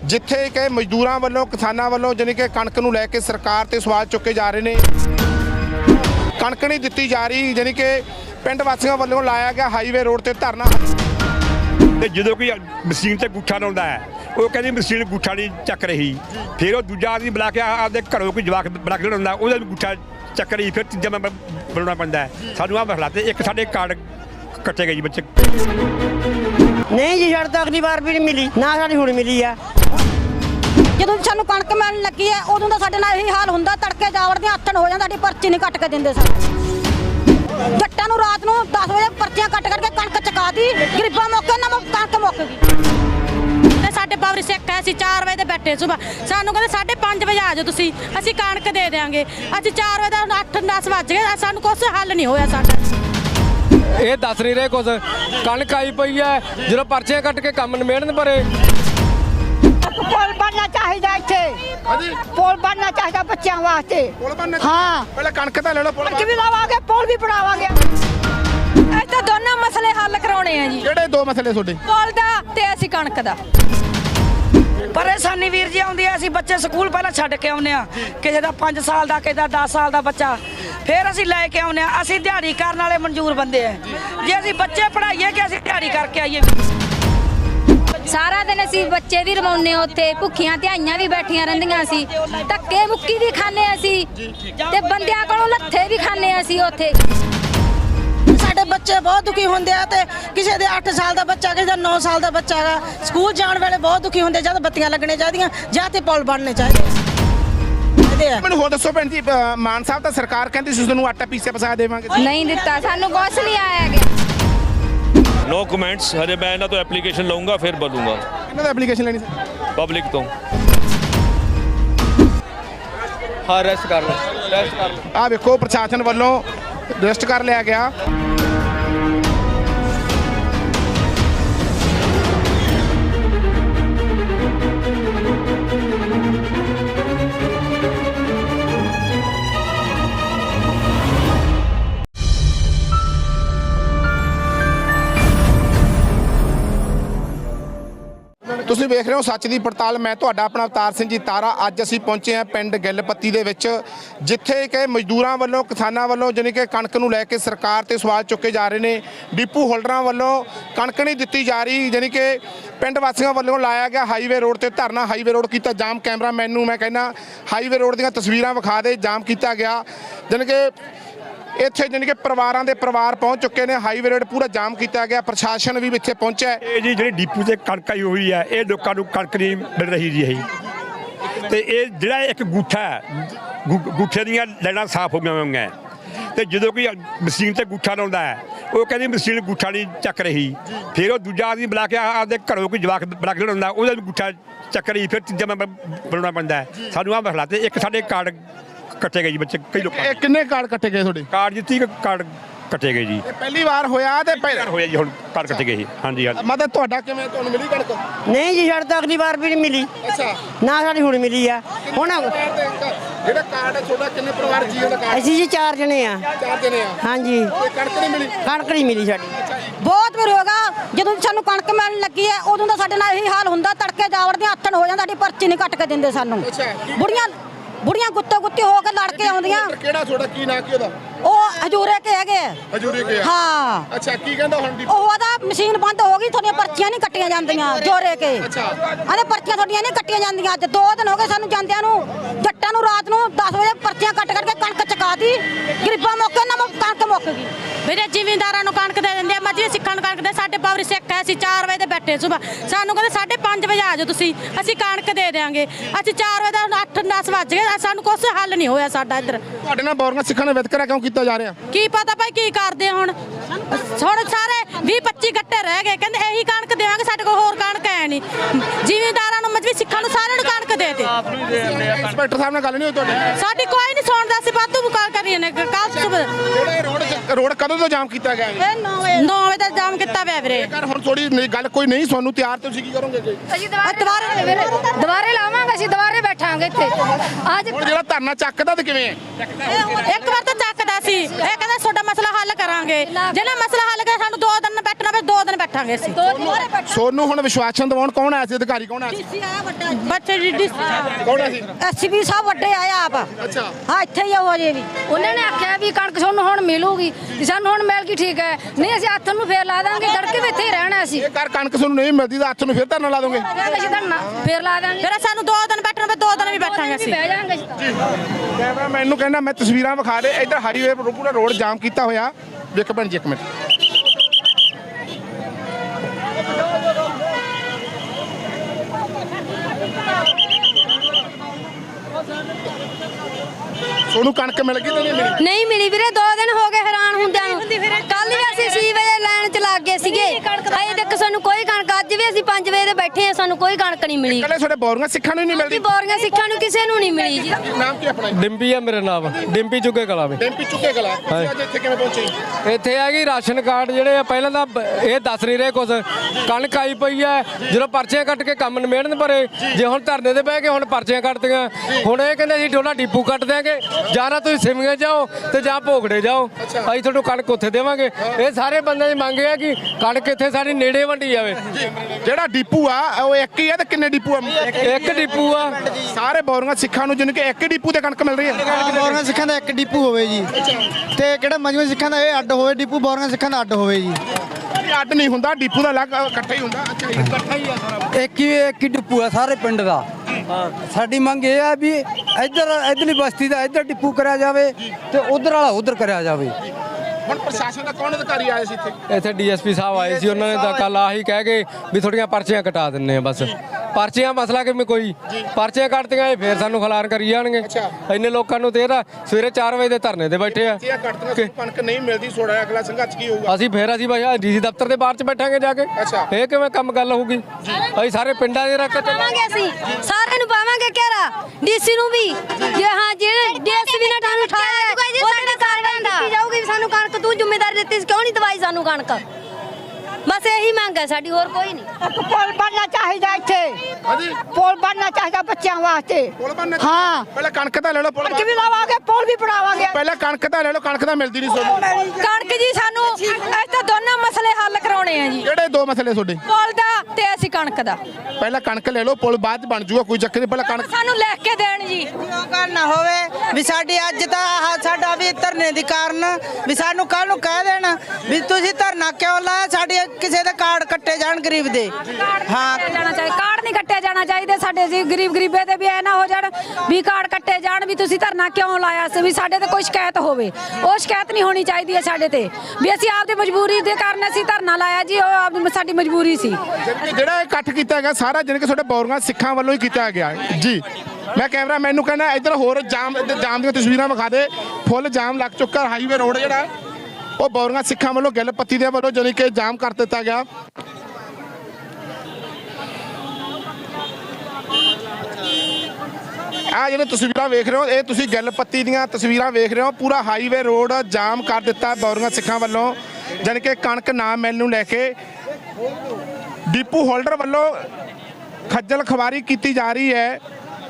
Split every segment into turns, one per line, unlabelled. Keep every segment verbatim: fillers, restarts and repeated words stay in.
जिथे कि मजदूरों वालों किसानों वालों जानी कि कणक नूं लैके सरकार ते सवाल चुके जा रहे हैं। कणक नहीं दित्ती जा रही, जानी कि पिंड वासियों वालों लाया गया हाईवे रोड ते धरना।
जो कोई मशीन से गुच्छा लाता है वो कहती मशीन गुच्छा नहीं चक रही, फिर वो दूजा आदमी बुला के आपके घरों कोई जवाक बना के लाता वो गुच्छा चक रही, फिर तीजा मैं बुलाना पैंदा है। सानू आ मसला ते एक साडे कार्ड कट्टे गए जी बच्चे
नहीं जी, साढ़े तो अगली बार भी नहीं मिली ना, साड़ी हुण मिली है।
ਜਦੋਂ ਸਾਨੂੰ ਕਣਕ ਮਿਲਣ ਲੱਗੀ ਹੈ ਉਦੋਂ ਦਾ ਸਾਡੇ ਨਾਲ ਇਹੀ ਹਾਲ ਹੁੰਦਾ, ਤੜਕੇ ਜਾਵੜਦੀਆਂ ਆਥਣ ਹੋ ਜਾਂਦਾ, ਸਾਡੀ ਪਰਚੀ ਨਹੀਂ ਕੱਟ ਕੇ ਦਿੰਦੇ ਸਾਨੂੰ। ਜੱਟਾਂ ਨੂੰ ਰਾਤ ਨੂੰ ਦਸ ਵਜੇ ਪਰਚੀਆਂ ਕੱਟ ਕਰਕੇ ਕਣਕ ਚਕਾਤੀ, ਗਰੀਬਾਂ ਮੌਕੇ ਨਾ ਕਣਕ ਮੁੱਕ ਗਈ।
ਤੇ ਸਾਡੇ ਪਾਵਰ ਸਿੱਖ ਹੈ, ਅਸੀਂ ਚਾਰ ਵਜੇ ਦੇ ਬੈਠੇ ਸਵੇਰ, ਸਾਨੂੰ ਕਹਿੰਦੇ ਸਾਢੇ ਪੰਜ ਵਜੇ ਆ ਜਾਓ ਤੁਸੀਂ, ਅਸੀਂ ਕਣਕ ਦੇ ਦੇਵਾਂਗੇ। ਅਸੀਂ ਚਾਰ ਵਜੇ ਦਾ ਅੱਠ ਦਸ ਵੱਜ ਗਏ, ਸਾਨੂੰ ਕੁਛ ਹੱਲ ਨਹੀਂ ਹੋਇਆ ਸਾਡਾ।
ਇਹ ਦੱਸ ਨਹੀਂ ਰਹੇ ਕੁਝ, ਕਣਕ ਆਈ ਪਈ ਹੈ, ਜਦੋਂ ਪਰਚੀਆਂ ਕੱਟ ਕੇ ਕੰਮ ਨਿਬੇੜਨ ਪਰੇ।
पुल बनना चाहिए इत्थे, पुल बनना चाहिए बच्चों वास्ते। हाँ,
पहले कणक दा ले लो,
कणक भी लावांगे, पुल भी बनावांगे।
ਇੱਥੇ ਦੋਨੋਂ ਮਸਲੇ ਹੱਲ ਕਰਾਉਣੇ ਆ ਜੀ,
ਕਿਹੜੇ ਦੋ ਮਸਲੇ ਤੁਹਾਡੇ?
ਪੁੱਲ ਦਾ ਤੇ ਅਸੀਂ ਕਣਕ ਦਾ।
परेशानी वीर जी आउंदी है, ਅਸੀਂ ਬੱਚੇ ਸਕੂਲ ਪਹਿਲਾਂ ਛੱਡ ਕੇ ਆਉਂਦੇ ਆ, ਕਿਸੇ ਦਾ ਪੰਜ ਸਾਲ ਦਾ, ਕਿਸੇ ਦਾ ਦਸ ਸਾਲ ਦਾ ਬੱਚਾ, ਫਿਰ ਅਸੀਂ ਲੈ ਕੇ ਆਉਂਦੇ ਆ। ਅਸੀਂ ਦਿਹਾੜੀ ਕਰਨ ਵਾਲੇ ਮਨਜ਼ੂਰ ਬੰਦੇ ਆ, ਜੇ ਅਸੀਂ ਬੱਚੇ ਪੜਾਈਏ ਕਿ ਅਸੀਂ ਦਿਹਾੜੀ ਕਰਕੇ ਆਈਏ।
सारा दिन असी बच्चे भी रवाने उत्थे, भुखियां ध्याइयां भी बैठियां रहिंदियां सी, धक्के मुक्की भी खाने असी ते बंदियां कोलों लत्थे भी खाने असी उत्थे।
ਸਾਡੇ ਬੱਚੇ ਬਹੁਤ ਦੁਖੀ ਹੁੰਦੇ ਆ ਤੇ ਕਿਸੇ ਦੇ ਅੱਠ ਸਾਲ ਦਾ ਬੱਚਾ, ਕਿਸੇ ਦਾ ਨੌ ਸਾਲ ਦਾ ਬੱਚਾ ਹੈਗਾ, ਸਕੂਲ ਜਾਣ ਵੇਲੇ ਬਹੁਤ ਦੁਖੀ ਹੁੰਦੇ। ਜਦ ਬੱਤੀਆਂ ਲੱਗਣੇ ਚਾਹੀਦੀਆਂ ਜਾਂ ਤੇ ਪੁਲ ਬਣਨੇ ਚਾਹੀਦੇ ਆ।
ਮੈਨੂੰ ਹੋਰ ਦੱਸੋ ਭੈਣ ਜੀ, ਮਾਨ ਸਾਹਿਬ ਤਾਂ ਸਰਕਾਰ ਕਹਿੰਦੀ ਸੀ ਤੁਹਾਨੂੰ ਆਟਾ ਪੀਸੇ ਪਸਾ ਦੇਵਾਂਗੇ,
नहीं दिता सानू कुछ नहीं आया गया।
नो कमेंट्स, हरे मैं ना तो एप्लीकेशन लूँगा फिर बोलूँगा
ਇਹਨਾਂ ਦਾ ਐਪਲੀਕੇਸ਼ਨ ਲੈਣੀ ਸੀ
पब्लिक तो।
ਹਾਂ ਰੈਸਟ ਕਰ ਲਓ, ਰੈਸਟ ਕਰ ਲਓ।
ਆ ਵੇਖੋ ਪ੍ਰਸ਼ਾਸਨ ਵੱਲੋਂ ਰਜਿਸਟ ਕਰ ਲਿਆ ਗਿਆ। ਤੁਸੀਂ ਵੇਖ ਰਹੇ ਹੋ ਸੱਚ ਦੀ ਪੜਤਾਲ, ਮੈਂ ਤੁਹਾਡਾ ਆਪਣਾ ਅਵਤਾਰ ਸਿੰਘ ਜੀ ਤਾਰਾ। ਅੱਜ ਅਸੀਂ ਪਹੁੰਚੇ ਹਾਂ ਪਿੰਡ ਗਿੱਲਪੱਤੀ ਦੇ ਵਿੱਚ, ਜਿੱਥੇ ਕਿ ਮਜ਼ਦੂਰਾਂ ਵੱਲੋਂ ਕਿਸਾਨਾਂ ਵੱਲੋਂ ਜਾਣੀ ਕਿ ਕਣਕ ਨੂੰ ਲੈ ਕੇ ਸਰਕਾਰ ਤੇ ਸਵਾਲ ਚੁੱਕੇ ਜਾ ਰਹੇ ਨੇ। ਡਿਪੂ ਹੋਲਡਰਾਂ ਵੱਲੋਂ ਕਣਕ ਨਹੀਂ ਦਿੱਤੀ ਜਾ ਰਹੀ, ਜਾਣੀ ਕਿ ਪਿੰਡ ਵਾਸੀਆਂ ਵੱਲੋਂ ਲਾਇਆ ਗਿਆ ਹਾਈਵੇ ਰੋਡ ਤੇ ਧਰਨਾ। ਹਾਈਵੇ ਰੋਡ ਕੀਤਾ ਜਾਮ, ਕੈਮਰਾਮੈਨ ਨੂੰ ਮੈਂ ਕਹਿੰਦਾ ਹਾਈਵੇ ਰੋਡ ਦੀਆਂ ਤਸਵੀਰਾਂ ਵਿਖਾ ਦੇ, ਜਾਮ ਕੀਤਾ ਗਿਆ। ਜਾਣੀ ਕਿ ਇੱਥੇ ਜਾਣੀ ਕਿ ਪਰਿਵਾਰਾਂ ਦੇ ਪਰਿਵਾਰ ਪਹੁੰਚ ਚੁੱਕੇ ਨੇ, ਹਾਈਵੇ ਰੋਡ ਪੂਰਾ ਜਾਮ ਕੀਤਾ ਗਿਆ, ਪ੍ਰਸ਼ਾਸਨ ਵੀ ਇੱਥੇ ਪਹੁੰਚਿਆ।
ਇਹ ਜੀ ਜਿਹੜੀ ਡਿਪੂ ਤੇ ਕਣਕ ਆਈ ਹੋਈ ਹੈ, ਇਹ ਲੋਕਾਂ ਨੂੰ ਕਣਕ ਨਹੀਂ ਮਿਲ ਰਹੀ ਜੀ। ਇਹ ਤੇ ਇਹ ਜਿਹੜਾ ਇੱਕ ਗੁੱਠਾ ਹੈ, ਗੁ- ਗੁੱਠੇ ਦੀਆਂ ਲਾਈਨਾਂ ਸਾਫ਼ ਹੋ ਗਈਆਂ ਹੋਈਆਂ, ਤੇ ਜਦੋਂ ਕੋਈ ਮਸ਼ੀਨ ਤੇ ਗੁੱਠਾ ਲਾਉਂਦਾ ਹੈ ਉਹ ਕਹਿੰਦੀ ਮਸ਼ੀਨ ਗੁੱਠਾ ਨਹੀਂ ਚੱਕ ਰਹੀ, ਫਿਰ ਉਹ ਦੂਜਾ ਆਦਮੀ ਬੁਲਾ ਕੇ ਆਪਦੇ ਘਰੋਂ ਕੋਈ ਜਵਾਕ ਬਣਾ ਕੇ ਲਾਉਂਦਾ ਉਹਦਾ ਗੁੱਠਾ ਚੱਕ ਰਹੀ, ਫਿਰ ਤੀਜਾ ਮੈਂ ਬੁਲਾਉਣਾ ਪੈਂਦਾ ਹੈ। ਸਾਨੂੰ ਆ ਮਸਲਾ ਤੇ ਇੱਕ ਸਾਡੇ ਕਾਰਡ ਕੱਟੇ ਗਏ ਜੀ ਬੱਚੇ, ਕਈ ਲੋਕਾਂ
ਇਹ ਕਿੰਨੇ ਕਾਰਡ ਕੱਟੇ ਗਏ ਤੁਹਾਡੇ?
ਕਾਰਡ ਜਿੱਤੀ ਕਾਰਡ ਕੱਟੇ ਗਏ ਜੀ।
ਇਹ ਪਹਿਲੀ ਵਾਰ ਹੋਇਆ ਤੇ ਪਹਿਲਾਂ
ਹੋਇਆ ਜੀ, ਹੁਣ ਕਾਰਡ ਕੱਟੇ ਗਏ ਜੀ। ਹਾਂਜੀ ਹਾਂਜੀ।
ਮਤਲਬ ਤੁਹਾਡਾ ਕਿਵੇਂ, ਤੁਹਾਨੂੰ ਮਿਲੀ ਕਣਕ?
नहीं जी, साढ़े तो अगली बार भी नहीं मिली
ਅੱਛਾ,
ना, साड़ी हुण मिली है। हुण
ਜਿਹੜਾ ਕਾਰਡ ਹੈ ਤੁਹਾਡਾ, ਕਿੰਨੇ ਪਰਿਵਾਰ ਜੀਓ ਦਾ ਕਾਰਡ?
ਅਸੀਂ ਜੀ ਚਾਰ ਜਣੇ ਆ।
ਚਾਰ ਜਣੇ ਆ।
हाँ जी,
ਤੇ ਕਣਕ ਨਹੀਂ ਮਿਲੀ?
ਕਣਕ ਨਹੀਂ ਮਿਲੀ ਸਾਡੀ।
ਬਹੁਤ ਵਾਰ ਹੋਗਾ, ਜਦੋਂ ਸਾਨੂੰ ਕਣਕ ਮਿਲਣ ਲੱਗੀ ਹੈ ਉਦੋਂ ਦਾ ਸਾਡੇ ਨਾਲ ਇਹੀ ਹਾਲ ਹੁੰਦਾ, ਤੜਕੇ ਜਾਵੜਦੀਆਂ ਆਥਣ ਹੋ ਜਾਂਦਾ, ਸਾਡੀ ਪਰਚੀ ਨਹੀਂ ਕੱਟ ਕੇ ਦਿੰਦੇ ਸਾਨੂੰ। ਬੁੜੀਆਂ ਬੁੜੀਆਂ ਗੁੱਤੋ ਗੁੱਤੀ ਹੋ ਕੇ ਲੜ ਕੇ ਆਉਂਦੀਆਂ।
ਕਿਹੜਾ ਤੁਹਾਡਾ ਕੀ ਨਾਂ ਕੀ ਉਹਦਾ?
ਉਹ ਹਜੂਰੇ ਕੇ ਹੈਗੇ ਆ।
ਹਜੂਰੀ ਕੇ?
ਹਾਂ।
ਅੱਛਾ, ਕੀ ਕਹਿੰਦਾ ਹੁਣ ਦੀ?
ਉਹ ਆਦਾ ਮਸ਼ੀਨ ਬੰਦ ਹੋ ਗਈ, ਤੁਹਾਡੀਆਂ ਪਰਚੀਆਂ ਨਹੀਂ ਕੱਟੀਆਂ ਜਾਂਦੀਆਂ ਜੋਰੇ ਕੇ। ਆਦੇ ਪਰਚੀਆਂ ਤੁਹਾਡੀਆਂ ਨਹੀਂ ਕੱਟੀਆਂ ਜਾਂਦੀਆਂ। ਅੱਜ ਦੋ ਦਿਨ ਹੋ ਗਏ ਸਾਨੂੰ ਜਾਂਦਿਆਂ ਨੂੰ। ਜੱਟਾਂ ਨੂੰ ਰਾਤ ਨੂੰ ਦਸ ਵਜੇ ਪਰਚੀਆਂ ਕੱਟ ਕੱਟ ਕੇ ਕਣਕ ਚਕਾਤੀ, ਗਰੀਬਾਂ ਮੌਕੇ ਨਾ ਕਣਕ ਮੁੱਕ ਗਈ।
ਵੀਰੇ ਜ਼ਿਮੀਂਦਾਰਾਂ ਨੂੰ ਕਣਕ ਦੇ ਦਿੰਦੇ ਆ, ਮੱਝੀ ਸਿੱਖਾਂ ਨੂੰ ਕਣਕ ਦੇ। ਸਾਡੇ ਪਾਵਰ ਸਿੱਖ ਹੈ, ਅਸੀਂ ਚਾਰ ਵਜੇ ਦੇ ਬੈਠੇ ਸਵੇਰ, ਸਾਨੂੰ ਕਹਿੰਦੇ ਸਾਢੇ ਪੰਜ ਵਜੇ ਆ ਜਾਓ ਤੁਸੀਂ, ਅਸੀਂ ਕਣਕ ਦੇ ਦੇਵਾਂਗੇ। ਅਸੀਂ ਚਾਰ ਵਜੇ ਦਾ ਅੱਠ ਦਸ ਵੱਜ ਗਏ, ਸਾਨੂੰ ਕੁਛ ਹੱਲ ਨਹੀਂ ਹੋਇਆ ਸਾਡਾ ਇੱਧਰ।
ਤੁਹਾਡੇ ਨਾਲ ਬੋਰੀਆਂ ਸਿੱਖਾਂ ਦਾ ਵਿਤਕਰਾ ਕਿਉਂ ਕੀਤਾ ਜਾ ਰਿਹਾ?
ਕੀ ਪਤਾ ਭਾਈ ਕੀ ਕਰਦੇ ਹੁਣ। ਹੁਣ ਸਾਰੇ ਵੀਹ ਪੱਚੀ ਗੱਟੇ ਰਹਿ ਗਏ, ਕਹਿੰਦੇ ਇਹੀ ਕਣਕ ਦੇਵਾਂਗੇ, ਸਾਡੇ ਕੋਲ ਹੋਰ ਕਣਕ ਹੈ ਨਹੀਂ। ਜ਼ਿਮੀਂਦਾਰਾਂ ਨੂੰ, ਮੱਝੀ ਸਿੱਖਾਂ ਨੂੰ, ਸਾਰਿਆਂ ਨੂੰ ਕਣਕ ਦੇ ਦੇ।
ਇੰਸਪੈਕਟਰ ਸਾਹਿਬ ਨਾਲ ਗੱਲ ਨਹੀਂ ਹੋਈ ਤੁਹਾਡੀ?
ਸਾਡੀ ਕੋਈ ਨਹੀਂ ਸੁਣਦਾ, ਅਸੀਂ ਵਾਧੂ ਕਾਲ ਕਰੀ ਨੇ ਕੱਲ ਸਵੇਰ।
ਜਿਹੜਾ ਰੋਡ ਰੋਡ ਕਦੋਂ ਤੋਂ ਜਾਮ ਕੀਤਾ ਗਿਆ ਹੈ?
ਨੌ ਵਜੇ ਦਾ ਜਾਮ ਕੀਤਾ ਪਿਆ ਵੀਰੇ।
ਕਰ ਹੁਣ ਥੋੜੀ ਗੱਲ ਕੋਈ ਨਹੀਂ ਤੁਹਾਨੂੰ ਤਿਆਰ, ਤੁਸੀਂ ਕੀ ਕਰੋਗੇ?
ਅਸੀਂ ਦੁਬਾਰੇ ਦੁਬਾਰੇ ਲਾਵਾਂਗੇ, ਅਸੀਂ ਦੁਬਾਰੇ ਬੈਠਾਂਗੇ ਇੱਥੇ। ਅੱਜ
ਹੁਣ ਜਿਹੜਾ ਧਰਨਾ ਚੱਕਦਾ ਤੇ ਕਿਵੇਂ ਹੈ?
ਇੱਕ ਵਾਰ ਤਾਂ ਚੱਕਦਾ ਸੀ, ਇਹ ਕਹਿੰਦਾ ਤੁਹਾਡਾ ਮਸਲਾ ਹੱਲ ਕਰਾਂਗੇ। ਜਿਹਨੇ ਮਸਲਾ ਹੱਲ ਕਰਿਆ ਸਾਨੂੰ ਦੋ ਦਿਨ ਬੈਠਣਾ ਪਏ, ਦੋ ਦਿਨ ਬੈਠਾਂਗੇ ਅਸੀਂ
ਸੋਨੂੰ ਹੁਣ ਵਿਸ਼ਵਾਸਨ ਦਿਵਾਉਣ ਕੌਣ ਆਇਆ ਸੀ? ਅਧਿਕਾਰੀ ਕੌਣ ਆਇਆ ਸੀ?
ਬੱਚੇ ਦੀ ਡਿਸ
ਕੌਣ ਆਇਆ ਸੀ?
ਐਸਪੀ ਸਾਹਿਬ ਵੱਡੇ ਆਏ ਆਪ
ਅੱਛਾ
ਹਾਂ ਇੱਥੇ ਹੀ ਆ ਉਹ ਅਜੇ ਵੀ
ਉਹਨਾਂ ਨੇ ਆਖਿਆ ਵੀ ਕਣਕ ਸਾਨੂੰ ਹੁਣ ਮਿਲੂਗੀ ਵੀ ਸਾਨੂੰ ਹੁਣ ਮਿਲ ਗਈ ਠੀਕ ਹੈ ਨਹੀਂ ਅਸੀਂ ਹੱਥ ਨੂੰ ਫੇਰ ਲਾ ਦਾਂਗੇ ਗੜਕੇ ਵੀ ਇੱਥੇ ਹੀ ਰਹਿਣਾ ਅਸੀਂ
ਇਹ ਕਰ ਕਣਕ ਤੁਹਾਨੂੰ ਨਹੀਂ ਮਿਲਦੀ ਤਾਂ ਹੱਥ ਨੂੰ ਫਿਰ ਧਰਨਾ ਲਾ ਦੋਗੇ?
ਅਸੀਂ ਧਰਨਾ ਫੇਰ ਲਾ ਦਾਂਗੇ
ਫਿਰ ਸਾਨੂੰ ਦੋ ਦਿਨ ਬੈਠਣ ਪਏ ਦੋ ਦਿਨ ਵੀ ਬੈਠਾਂਗੇ ਅਸੀਂ
ਬਹਿ ਜਾਾਂਗੇ
ਕੈਮਰਾ ਮੈਨੂੰ ਕਹਿੰਦਾ ਮੈਂ ਤਸਵੀਰਾਂ ਵਿਖਾ ਦੇ। ਇੱਧਰ ਹਾਈਵੇ ਪੂਰਾ ਰੋਡ ਜਾਮ ਕੀਤਾ ਹੋਇਆ। ਵੇਖ ਭੈਣ ਜੀ ਇੱਕ ਮਿੰਟ। ਸੋਨੂੰ ਕਣਕ ਮਿਲ ਗਈ ਤੇ ਨਹੀਂ ਮਿਲੀ?
ਨਹੀਂ ਮਿਲੀ ਵੀਰੇ ਦੋ ਦਿਨ ਹੋ ਗਏ ਹੈਰਾਨ ਹੁੰਦਿਆਂ ਨੂੰ ਕੱਲ ਵੀ ਅਸੀਂ ਛੇ ਵਜੇ ਲਾਈਨ ਚ ਲੱਗ ਗਏ ਸੀਗੇ ਅਜੇ ਤੱਕ ਸਾਨੂੰ ਕੋਈ ਕਣਕ ਅੱਜ ਵੀ ਅਸੀਂ ਪੰਜ ਵਜੇ ਦੇ ਬੈਠੇ ਆ ਸਾਨੂੰ ਕੋਈ ਕਣਕ ਨਹੀਂ ਮਿਲੀ
ਕੱਲੇ ਤੁਹਾਡੇ ਬੋਰੀਆਂ ਸਿੱਖਾਂ ਨੂੰ ਹੀ ਨਹੀਂ ਮਿਲਦੀ?
ਬੋਰੀਆਂ ਸਿੱਖਾਂ ਨੂੰ ਕਿਸੇ ਨੂੰ ਨਹੀਂ ਮਿਲੀ ਜੀ।
ਨਾਮ ਕੀ ਆਪਣਾ?
ਡਿੰਪੀ ਆ ਮੇਰਾ ਨਾਮ ਡਿੰਪੀ ਚੁੱਕੇ ਕਲਾ ਵੇ
ਡੈਂਪੀ ਚੁੱਕੇ ਗਲਾ। ਤੁਸੀਂ ਅੱਜ ਇੱਥੇ ਕਿਵੇਂ ਪਹੁੰਚੇ?
ਇੱਥੇ ਆ ਗਈ ਰਾਸ਼ਨ ਕਾਰਡ ਜਿਹੜੇ ਆ ਪਹਿਲਾਂ ਤਾਂ ਬ- ਇਹ ਦੱਸ ਨਹੀਂ ਰਹੇ ਕੁਝ ਕਣਕ ਆਈ ਪਈ ਆ ਜਦੋਂ ਪਰਚੀਆਂ ਕੱਟ ਕੇ ਕੰਮ ਨਿਬੇੜਨ ਪਰੇ ਜੇ ਹੁਣ ਧਰਨੇ ਤੇ ਬਹਿ ਕੇ ਹੁਣ ਪਰਚੀਆਂ ਕੱਟਦੀਆਂ ਹੁਣ ਇਹ ਕਹਿੰਦੇ ਅਸੀਂ ਡੋਲਾ ਡਿਪੂ ਕੱਟ ਦਿਆਂਗੇ ਜਾਂ ਨਾ ਤੁਸੀਂ ਸਿਮੀਆਂ ਜਾਓ ਤੇ ਜਾਂ ਭੋਗੜੇ ਜਾਓ ਅਸੀਂ ਤੁਹਾਨੂੰ ਕਣਕ ਉੱਥੇ ਦੇਵਾਂਗੇ। ਇਹ ਸਾਰੇ ਬੰਦੇ ਦੀ ਮੰਗ ਹੈ ਕਿ ਕਣਕ ਇੱਥੇ ਸਾਡੀ ਨੇੜੇ ਵੰਡੀ ਜਾਵੇ।
ਜਿਹੜਾ ਡਿਪੂ ਆ ਉਹ ਇੱਕ ਹੀ ਆ ਤੇ ਕਿੰਨੇ ਡਿਪੂ ਆ?
ਇੱਕ ਡਿਪੂ ਆ
ਸਾਰੇ ਬੋਰੀਆਂ ਸਿੱਖਾਂ ਨੂੰ ਜਿਨ ਕਿ ਇੱਕ ਡਿਪੂ ਤੇ ਕਣਕ ਮਿਲ ਰਹੀ ਹੈ।
ਬੋਰੀਆਂ ਸਿੱਖਾਂ ਦਾ ਇੱਕ ਡਿਪੂ ਹੋਵੇ ਜੀ ਤੇ ਕਿਹੜਾ ਮਜਮੇ ਸਿੱਖਾਂ ਦਾ ਇਹ ਅੱਡ ਹੋਵੇ ਡਿਪੂ ਬੋਰੀਆਂ ਸਿੱਖਾਂ ਦਾ ਅੱਡ ਹੋਵੇ ਜੀ।
ਇਹ ਅੱਡ ਨਹੀਂ ਹੁੰਦਾ ਡਿਪੂ ਦਾ ਅਲੱਗ ਇਕੱਠਾ ਹੀ ਹੁੰਦਾ। ਅੱਛਾ ਜੀ, ਇਕੱਠਾ ਹੀ ਆ ਸਾਰਾ।
ਇੱਕ ਹੀ ਇੱਕ ਹੀ ਡਿਪੂ ਆ ਸਾਰੇ ਪਿੰਡ ਦਾ। ਸਾਡੀ ਮੰਗ ਇਹ ਆ ਵੀ ਇੱਧਰ ਇੱਧਰਲੀ ਬਸਤੀ ਦਾ ਇੱਧਰ ਡਿਪੂ ਕਰਿਆ ਜਾਵੇ ਤੇ ਉਧਰ ਵਾਲਾ ਉਧਰ ਕਰਿਆ ਜਾਵੇ।
ਹੁਣ ਪ੍ਰਸ਼ਾਸਨ ਦਾ ਕੌਣ ਅਧਿਕਾਰੀ ਆਏ ਸੀ ਇੱਥੇ?
ਇੱਥੇ ਡੀਐਸਪੀ ਸਾਹਿਬ ਆਏ ਸੀ ਉਹਨਾਂ ਨੇ ਤਾਂ ਕੱਲ ਆਹੀ ਕਹਿ ਕੇ ਵੀ ਥੋੜੀਆਂ ਪਰਚੀਆਂ ਕਟਾ ਦਿੰਨੇ ਆ ਬਸ ਪਰਚੀਆਂ ਮਸਲਾ ਕਿਵੇਂ ਕੋਈ ਪਰਚੀਆਂ ਕੱਟਦੀਆਂ ਇਹ ਫੇਰ ਸਾਨੂੰ ਖਲਾਨ ਕਰੀ ਜਾਣਗੇ ਇੰਨੇ ਲੋਕਾਂ ਨੂੰ ਤੇ ਇਹਦਾ ਸਵੇਰੇ ਚਾਰ ਵਜੇ ਦੇ ਧਰਨੇ ਤੇ ਬੈਠੇ ਆ
ਇਹ ਕੱਟਦੀਆਂ ਸੀ ਕਣਕ ਨਹੀਂ ਮਿਲਦੀ ਸੋੜਾ ਅਗਲਾ ਸੰਘਰਸ਼ ਕੀ ਹੋਊਗਾ?
ਅਸੀਂ ਫੇਰ ਅਸੀਂ ਭਾਈ ਡੀਸੀ ਦਫ਼ਤਰ ਦੇ ਬਾਹਰ ਚ ਬੈਠਾਂਗੇ ਜਾ ਕੇ
ਅੱਛਾ।
ਇਹ ਕਿਵੇਂ ਕੰਮ ਗੱਲ ਹੋਊਗੀ ਅਸੀਂ ਸਾਰੇ ਪਿੰਡਾਂ ਦੇ ਰੱਖ ਕੇ
ਪਾਵਾਂਗੇ ਅਸੀਂ ਸਾਰਿਆਂ ਨੂੰ ਪਾਵਾਂਗੇ ਘੇਰਾ ਡੀਸੀ ਨੂੰ ਵੀ ਜੇ ਹਾਂ ਜਿਹੜੇ ਡੀਐਸਪੀ ਨੇ ਸਾਨੂੰ ਉਠਾਇਆ ਉਹਦੇ ਕਾਰਨ ਦਿੱਤੀ ਜਾਊਗੀ ਵੀ ਸਾਨੂੰ ਕਣਕ ਤੂੰ ਜ਼ਿੰਮੇਵਾਰੀ ਦਿੱਤੀ ਸੀ ਕਿਉਂ ਨਹੀਂ ਦਵਾਈ ਸਾਨੂੰ ਕਣਕ ਬਸ ਇਹੀ ਮੰਗ ਹੈ ਸਾਡੀ ਹੋਰ ਕੋਈ ਨਹੀਂ।
ਇੱਕ ਪੁਲ ਬਣਨਾ ਚਾਹੀਦਾ ਇੱਥੇ
ਹਾਂਜੀ
ਪੁਲ ਬਣਨਾ ਚਾਹੀਦਾ ਬੱਚਿਆਂ ਵਾਸਤੇ।
ਪੁਲ ਬਣਨਾ
ਹਾਂ
ਪਹਿਲਾਂ ਕਣਕ ਤਾਂ ਲੈ ਲਓ ਪੁਲ
ਕਣਕ ਵੀ ਲਾਵਾਂਗੇ ਪੁਲ ਵੀ ਬਣਾਵਾਂਗੇ।
ਪਹਿਲਾਂ ਕਣਕ ਤਾਂ ਲੈ ਲਓ ਕਣਕ ਤਾਂ ਮਿਲਦੀ ਨਹੀਂ ਤੁਹਾਨੂੰ।
ਕਣਕ ਜੀ ਸਾਨੂੰ ਇਹ ਤਾਂ ਦੋਨੋਂ ਮਸਲੇ ਹੱਲ ਕਰਾਉਣੇ ਆ ਜੀ
ਕਿਹੜੇ ਦੋ ਮਸਲੇ ਤੁਹਾਡੇ?
ਪੁੱਲ ਦਾ ਤੇ ਅਸੀਂ ਕਣਕ ਦਾ।
ਪਹਿਲਾਂ ਕਣਕ ਲੈ ਲਓ ਪੁਲ ਬਾਅਦ ਚ ਬਣ ਜੂਗਾ ਕੋਈ ਚੱਕਰ ਨਹੀਂ। ਪਹਿਲਾਂ ਕਣਕ
ਸਾਨੂੰ ਲਿਖ ਕੇ ਦੇਣ ਜੀ।
ਉਹ ਗੱਲ ਨਾ ਹੋਵੇ ਵੀ ਸਾਡੀ ਅੱਜ ਤਾਂ ਆਹ ਸਾਡਾ ਵੀ ਧਰਨੇ ਦੀ ਕਾਰਨ ਵੀ ਸਾਨੂੰ ਕੱਲ ਨੂੰ ਕਹਿ ਦੇਣ ਵੀ ਤੁਸੀਂ ਧਰਨਾ ਕਿਉਂ ਲਾਇਆ ਸਾਡੇ ਕਿਸੇ ਦੇ ਕਾਰਡ ਕੱਟੇ ਜਾਣ ਗਰੀਬ ਦੇ। ਹਾਂ
ਜਾਣਾ ਚਾਹੀਦਾ ਕਾਰਡ ਨਹੀਂ ਕੱਟਿਆ ਜਾਣਾ ਚਾਹੀਦਾ ਸਾਡੇ ਜੀ ਗਰੀਬ ਗਰੀਬੇ ਦੇ ਵੀ ਐ ਨਾ ਹੋ ਜਾਣ ਵੀ ਕਾਰਡ ਕੱਟੇ ਜਾਣ ਵੀ ਤੁਸੀਂ ਧਰਨਾ ਕਿਉਂ ਲਾਇਆ ਸੀ ਵੀ ਸਾਡੇ ਤੇ ਕੋਈ ਸ਼ਿਕਾਇਤ ਹੋਵੇ ਉਹ ਸ਼ਿਕਾਇਤ ਨਹੀਂ ਹੋਣੀ ਚਾਹੀਦੀ ਹੈ ਸਾਡੇ ਤੇ ਵੀ ਅਸੀਂ ਆਪਦੀ ਮਜਬੂਰੀ ਦੇ ਕਾਰਨ ਅਸੀਂ ਧਰਨਾ ਲਾਇਆ ਜੀ ਉਹ ਆਪਦੀ ਸਾਡੀ ਮਜਬੂਰੀ ਸੀ।
ਜਿਹੜਾ ਇਹ ਇਕੱਠ ਕੀਤਾ ਗਿਆ ਸਾਰਾ ਜਿਨ ਕਿ ਤੁਹਾਡੇ ਬੋਰੀਆਂ ਸਿੱਖਾਂ ਵੱਲੋਂ ਹੀ ਕੀਤਾ ਗਿਆ ਜੀ। ਮੈਂ ਕੈਮਰਾ ਮੈਨੂੰ ਕਹਿੰਦਾ ਇੱਧਰ ਹੋਰ ਜਾਮ ਜਾਮ ਦੀਆਂ ਤਸਵੀਰਾਂ ਵਿਖਾ ਦੇ। ਫੁੱਲ ਜਾਮ ਲੱਗ ਚੁੱਕਾ ਹਾਈਵੇ ਰੋਡ ਜਿਹੜਾ ਉਹ ਬੋਰੀਆਂ ਸਿੱਖਾਂ ਵੱਲੋਂ ਗਿੱਲ ਪੱਤੀ ਦੇ ਵੱਲੋਂ ਜਾਣੀ ਕਿ ਜਾਮ ਕਰ ਦਿੱਤਾ ਗਿਆ। ਆ ਜਿਹੜੇ ਤਸਵੀਰਾਂ ਵੇਖ ਰਹੇ ਹੋ ਇਹ ਤੁਸੀਂ ਗਿੱਲ ਪੱਤੀ ਦੀਆਂ ਤਸਵੀਰਾਂ ਵੇਖ ਰਹੇ ਹੋ। ਪੂਰਾ ਹਾਈਵੇ ਰੋਡ ਜਾਮ ਕਰ ਦਿੱਤਾ ਬੋਰੀਆਂ ਸਿੱਖਾਂ ਵੱਲੋਂ ਜਾਣੀ ਕਿ ਕਣਕ ਨਾ ਮਿਲਣ ਨੂੰ ਲੈ ਕੇ ਡਿਪੂ ਹੋਲਡਰ ਵੱਲੋਂ ਖੱਜਲ ਖਵਾਰੀ ਕੀਤੀ ਜਾ ਰਹੀ ਹੈ।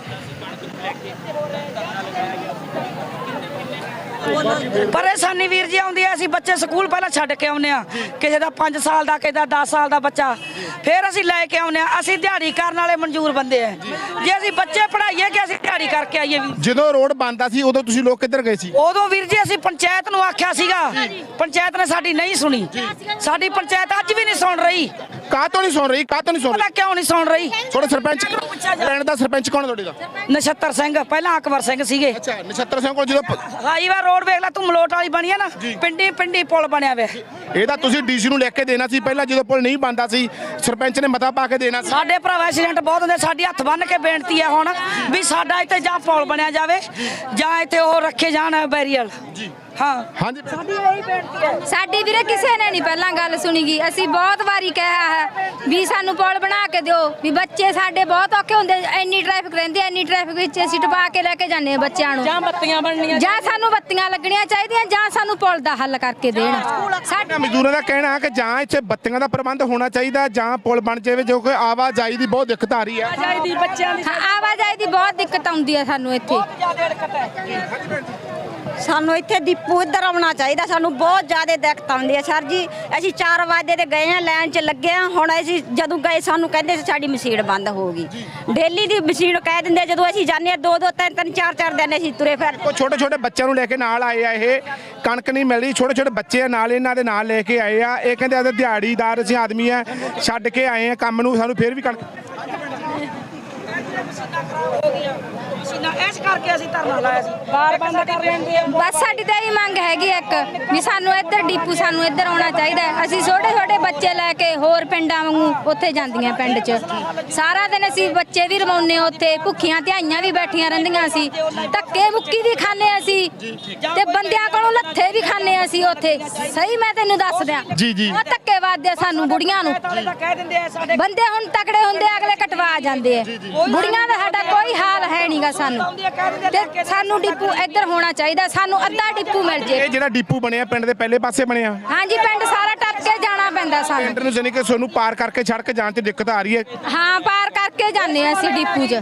ਪਰੇਸ਼ਾਨੀ ਵੀਰ ਜੀ ਆਉਂਦੀ ਹੈ ਅਸੀਂ ਬੱਚੇ ਸਕੂਲ ਪਹਿਲਾਂ ਛੱਡ ਕੇ ਆਉਂਦੇ ਆ ਕਿਸੇ ਦਾ ਪੰਜ ਸਾਲ ਦਾ ਕਿਸੇ ਦਾ ਦਸ ਸਾਲ ਦਾ ਬੱਚਾ ਫਿਰ ਅਸੀਂ ਲੈ ਕੇ ਆਉਂਦੇ ਆ। ਅਸੀਂ ਦਿਹਾੜੀ ਕਰਨ ਵਾਲੇ ਮਨਜ਼ੂਰ ਬੰਦੇ ਆ ਜੇ ਅਸੀਂ ਬੱਚੇ ਪੜ੍ਹਾਈਏ ਕਿ ਅਸੀਂ ਦਿਹਾੜੀ ਕਰਕੇ ਆਈਏ ਵੀ।
ਜਦੋਂ ਰੋਡ ਬੰਦਾ ਸੀ ਉਦੋਂ ਤੁਸੀਂ ਲੋਕ ਕਿੱਧਰ ਗਏ ਸੀ?
ਉਦੋਂ ਵੀਰ ਜੀ ਅਸੀਂ ਪੰਚਾਇਤ ਨੂੰ ਆਖਿਆ ਸੀਗਾ ਪੰਚਾਇਤ ਨੇ ਸਾਡੀ ਨਹੀਂ ਸੁਣੀ। ਸਾਡੀ ਪੰਚਾਇਤ ਅੱਜ ਵੀ ਨਹੀਂ ਸੁਣ ਰਹੀ।
ਕਾਹ ਤੋਂ ਨਹੀਂ ਸੁਣ ਰਹੀ? ਕਾਹ ਤੋਂ ਨਹੀਂ ਸੁਣ
ਪਤਾ
ਰਹੀ?
ਕਿਉਂ ਨਹੀਂ ਸੁਣ ਰਹੀ?
ਤੁਹਾਡੇ ਸਰਪੰਚ ਪਿੰਡ ਦਾ ਸਰਪੰਚ ਕੌਣ ਤੁਹਾਡੇ ਦਾ?
ਨਛੱਤਰ ਸਿੰਘ ਪਹਿਲਾਂ ਅਕਬਰ ਸਿੰਘ ਸੀਗੇ।
ਅੱਛਾ ਨਛੱਤਰ ਸਿੰਘ ਕੋਲ ਜਦੋਂ
ਹਾਈਵੇ ਰੋਡ ਵੇਖ ਲੈ ਤੂੰ ਮਲੋਟ ਵਾਲੀ ਬਣੀ ਆ ਨਾ ਪਿੰਡੀ ਪਿੰਡੀ ਪੁਲ ਬਣਿਆ ਵੇ
ਇਹਦਾ ਤੁਸੀਂ ਡੀਸੀ ਨੂੰ ਲਿਖ ਕੇ ਦੇਣਾ ਸੀ ਪਹਿਲਾਂ ਜਦੋਂ ਪੁਲ ਨਹੀਂ ਬਣਦਾ ਸੀ ਸਰਪੰਚ ਨੇ ਮਤਾ ਪਾ ਕੇ ਦੇਣਾ ਸੀ।
ਸਾਡੇ ਭਰਾ ਐਕਸੀਡੈਂਟ ਬਹੁਤ ਹੁੰਦੇ ਸਾਡੀ ਹੱਥ ਬੰਨ ਕੇ ਬੇਨਤੀ ਹੈ ਹੁਣ ਵੀ ਸਾਡਾ ਇੱਥੇ ਜਾਂ ਪੁਲ ਬਣਿਆ ਜਾਵੇ ਜਾਂ ਇੱਥੇ ਉਹ ਰੱਖੇ ਜਾਣ ਬੈਰੀਅਲ। ਜੀ ਹਾਂ
ਹਾਂਜੀ
ਸਾਡੀ ਇਹੀ ਬੇਨਤੀ ਹੈ।
ਸਾਡੀ ਵੀਰੇ ਕਿਸੇ ਨੇ ਨਹੀਂ ਪਹਿਲਾਂ ਗੱਲ ਸੁਣੀਗੀ ਅਸੀਂ ਬਹੁਤ ਵਾਰੀ ਕਿਹਾ ਹੈ ਵੀ ਸਾਨੂੰ ਪੁਲ ਬਣਾ ਕੇ ਦਿਓ ਵੀ ਬੱਚੇ ਸਾਡੇ ਬਹੁਤ ਔਖੇ ਹੁੰਦੇ ਇੰਨੀ ਟ੍ਰੈਫਿਕ ਰਹਿੰਦੀ ਇੰਨੀ ਟ੍ਰੈਫਿਕ ਵਿੱਚ ਅਸੀਂ ਟਪਾ ਕੇ ਲੈ ਕੇ ਜਾਂਦੇ ਹਾਂ ਬੱਚਿਆਂ ਨੂੰ
ਜਾਂ ਬੱਤੀਆਂ ਬਣਨੀਆਂ
ਜਾਂ ਸਾਨੂੰ ਬੱਤੀਆਂ ਲੱਗਣੀਆਂ ਚਾਹੀਦੀਆਂ ਜਾਂ ਸਾਨੂੰ ਪੁਲ ਦਾ ਹੱਲ ਕਰਕੇ ਦੇਣ।
ਸਾਡੇ ਮਜ਼ਦੂਰਾਂ ਦਾ ਕਹਿਣਾ ਹੈ ਕਿ ਜਾਂ ਇੱਥੇ ਬੱਤੀਆਂ ਦਾ ਪ੍ਰਬੰਧ ਹੋਣਾ ਚਾਹੀਦਾ ਜਾਂ ਪੁਲ ਬਣ ਜਾਵੇ ਜੋ ਕਿ ਆਵਾਜਾਈ ਦੀ ਬਹੁਤ ਦਿੱਕਤ ਆ ਰਹੀ ਹੈ।
ਆਵਾਜਾਈ ਦੀ ਬੱਚਿਆਂ ਦੀ
ਹਾਂ, ਆਵਾਜਾਈ ਦੀ ਬਹੁਤ ਦਿੱਕਤ ਆਉਂਦੀ ਹੈ ਸਾਨੂੰ ਇੱਥੇ।
ਸਾਨੂੰ ਇੱਥੇ ਡਿਪੂ ਇੱਧਰ ਆਉਣਾ ਚਾਹੀਦਾ। ਸਾਨੂੰ ਬਹੁਤ ਜ਼ਿਆਦਾ ਦਿੱਕਤ ਆਉਂਦੀ ਹੈ ਸਰ ਜੀ। ਅਸੀਂ ਚਾਰ ਵਜੇ ਦੇ ਗਏ ਆ, ਲਾਈਨ 'ਚ ਲੱਗੇ ਆ। ਹੁਣ ਅਸੀਂ ਜਦੋਂ ਗਏ ਸਾਨੂੰ ਕਹਿੰਦੇ ਸੀ ਸਾਡੀ ਮਸ਼ੀਨ ਬੰਦ ਹੋ ਗਈ। ਡੇਲੀ ਦੀ ਮਸ਼ੀਨ ਕਹਿ ਦਿੰਦੇ। ਜਦੋਂ ਅਸੀਂ ਜਾਂਦੇ ਆ ਦੋ ਦੋ ਤਿੰਨ ਤਿੰਨ ਚਾਰ ਚਾਰ ਦਿਨ ਅਸੀਂ ਤੁਰੇ ਫਿਰ।
ਉਹ ਛੋਟੇ ਛੋਟੇ ਬੱਚਿਆਂ ਨੂੰ ਲੈ ਕੇ ਨਾਲ ਆਏ ਆ। ਇਹ ਕਣਕ ਨਹੀਂ ਮਿਲ ਰਹੀ, ਛੋਟੇ ਛੋਟੇ ਬੱਚੇ ਆ ਨਾਲ, ਇਹਨਾਂ ਦੇ ਨਾਲ ਲੈ ਕੇ ਆਏ ਆ। ਇਹ ਕਹਿੰਦੇ ਅਸੀਂ ਦਿਹਾੜੀਦਾਰ ਅਸੀਂ ਆਦਮੀ ਆ, ਛੱਡ ਕੇ ਆਏ ਆ ਕੰਮ ਨੂੰ, ਸਾਨੂੰ ਫਿਰ ਵੀ ਕਣਕ
ਇਸ ਕਰਕੇ ਅਸੀਂ ਧਰਨਾ ਲਾਇਆ ਸੀ। ਬਾਰ ਬੰਦ ਕਰ ਲੈਂਦੇ ਆ।
ਬਸ ਸਾਡੀ ਤਾਂ ਇਹ ਮੰਗ ਹੈਗੀ ਇੱਕ ਵੀ ਸਾਨੂੰ ਇੱਧਰ ਡਿਪੂ ਸਾਨੂੰ ਇੱਧਰ ਆਉਣਾ ਚਾਹੀਦਾ ਹੈ। ਅਸੀਂ ਛੋਟੇ ਛੋਟੇ ਬੱਚੇ ਲੈ ਕੇ ਹੋਰ ਪਿੰਡਾਂ ਵਾਂਗੂ ਉੱਥੇ ਜਾਂਦੀਆਂ ਪਿੰਡ 'ਚ। ਸਾਰਾ ਦਿਨ ਅਸੀਂ ਬੱਚੇ ਵੀ ਰਮਾਉਂਦੇ ਉੱਥੇ, ਭੁੱਖੀਆਂ ਧਿਆਈਆਂ ਵੀ ਬੈਠੀਆਂ ਰਹਿੰਦੀਆਂ ਅਸੀਂ, ਧੱਕੇ ਮੁੱਕੀ ਵੀ ਖਾਂਦੇ ਅਸੀਂ ਤੇ ਬੰਦਿਆਂ ਕੋਲੋਂ ਲੱਥੇ ਵੀ ਖਾਂਦੇ ਅਸੀਂ ਉੱਥੇ। ਸਹੀ ਮੈਂ ਤੈਨੂੰ ਦੱਸ ਦਿਆਂ,
ਜੀ ਜੀ
ਉਹ ਧੱਕੇ ਵੱਜਦੇ ਸਾਨੂੰ ਬੁੜੀਆਂ ਨੂੰ। ਬੰਦੇ ਹੁਣ ਤਕੜੇ ਹੁੰਦੇ, ਅਗਲੇ ਕਟਵਾ ਜਾਂਦੇ ਆ। ਬੁੜੀਆਂ ਦਾ ਸਾਡਾ ਕੋਈ ਹਾਲ ਹੈ ਨਹੀਂਗਾ ਸਾਨੂੰ, ਤੇ ਸਾਨੂੰ ਡਿਪੂ ਇੱਧਰ ਹੋਣਾ ਚਾਹੀਦਾ। ਸਾਨੂੰ ਅੱਧਾ ਡਿਪੂ ਮਿਲ ਜੇ।
ਇਹ ਜਿਹੜਾ ਡਿਪੂ ਬਣਿਆ ਪਿੰਡ ਦੇ ਪਹਿਲੇ ਪਾਸੇ ਬਣਿਆ?
ਹਾਂਜੀ, ਪਿੰਡ ਸਾਰਾ ਟੱਪ ਕੇ ਜਾਣਾ ਪੈਂਦਾ ਸਾਨੂੰ।
ਪਿੰਡ ਨੂੰ ਜਾਨੀ ਕਿ ਤੁਹਾਨੂੰ ਪਾਰ ਕਰਕੇ ਸੜਕ ਜਾਣ 'ਚ ਦਿੱਕਤ ਆ ਰਹੀ ਹੈ?
ਹਾਂ, ਪਾਰ ਕਰਕੇ ਜਾਂਦੇ ਆ ਅਸੀਂ ਡਿਪੂ 'ਚ।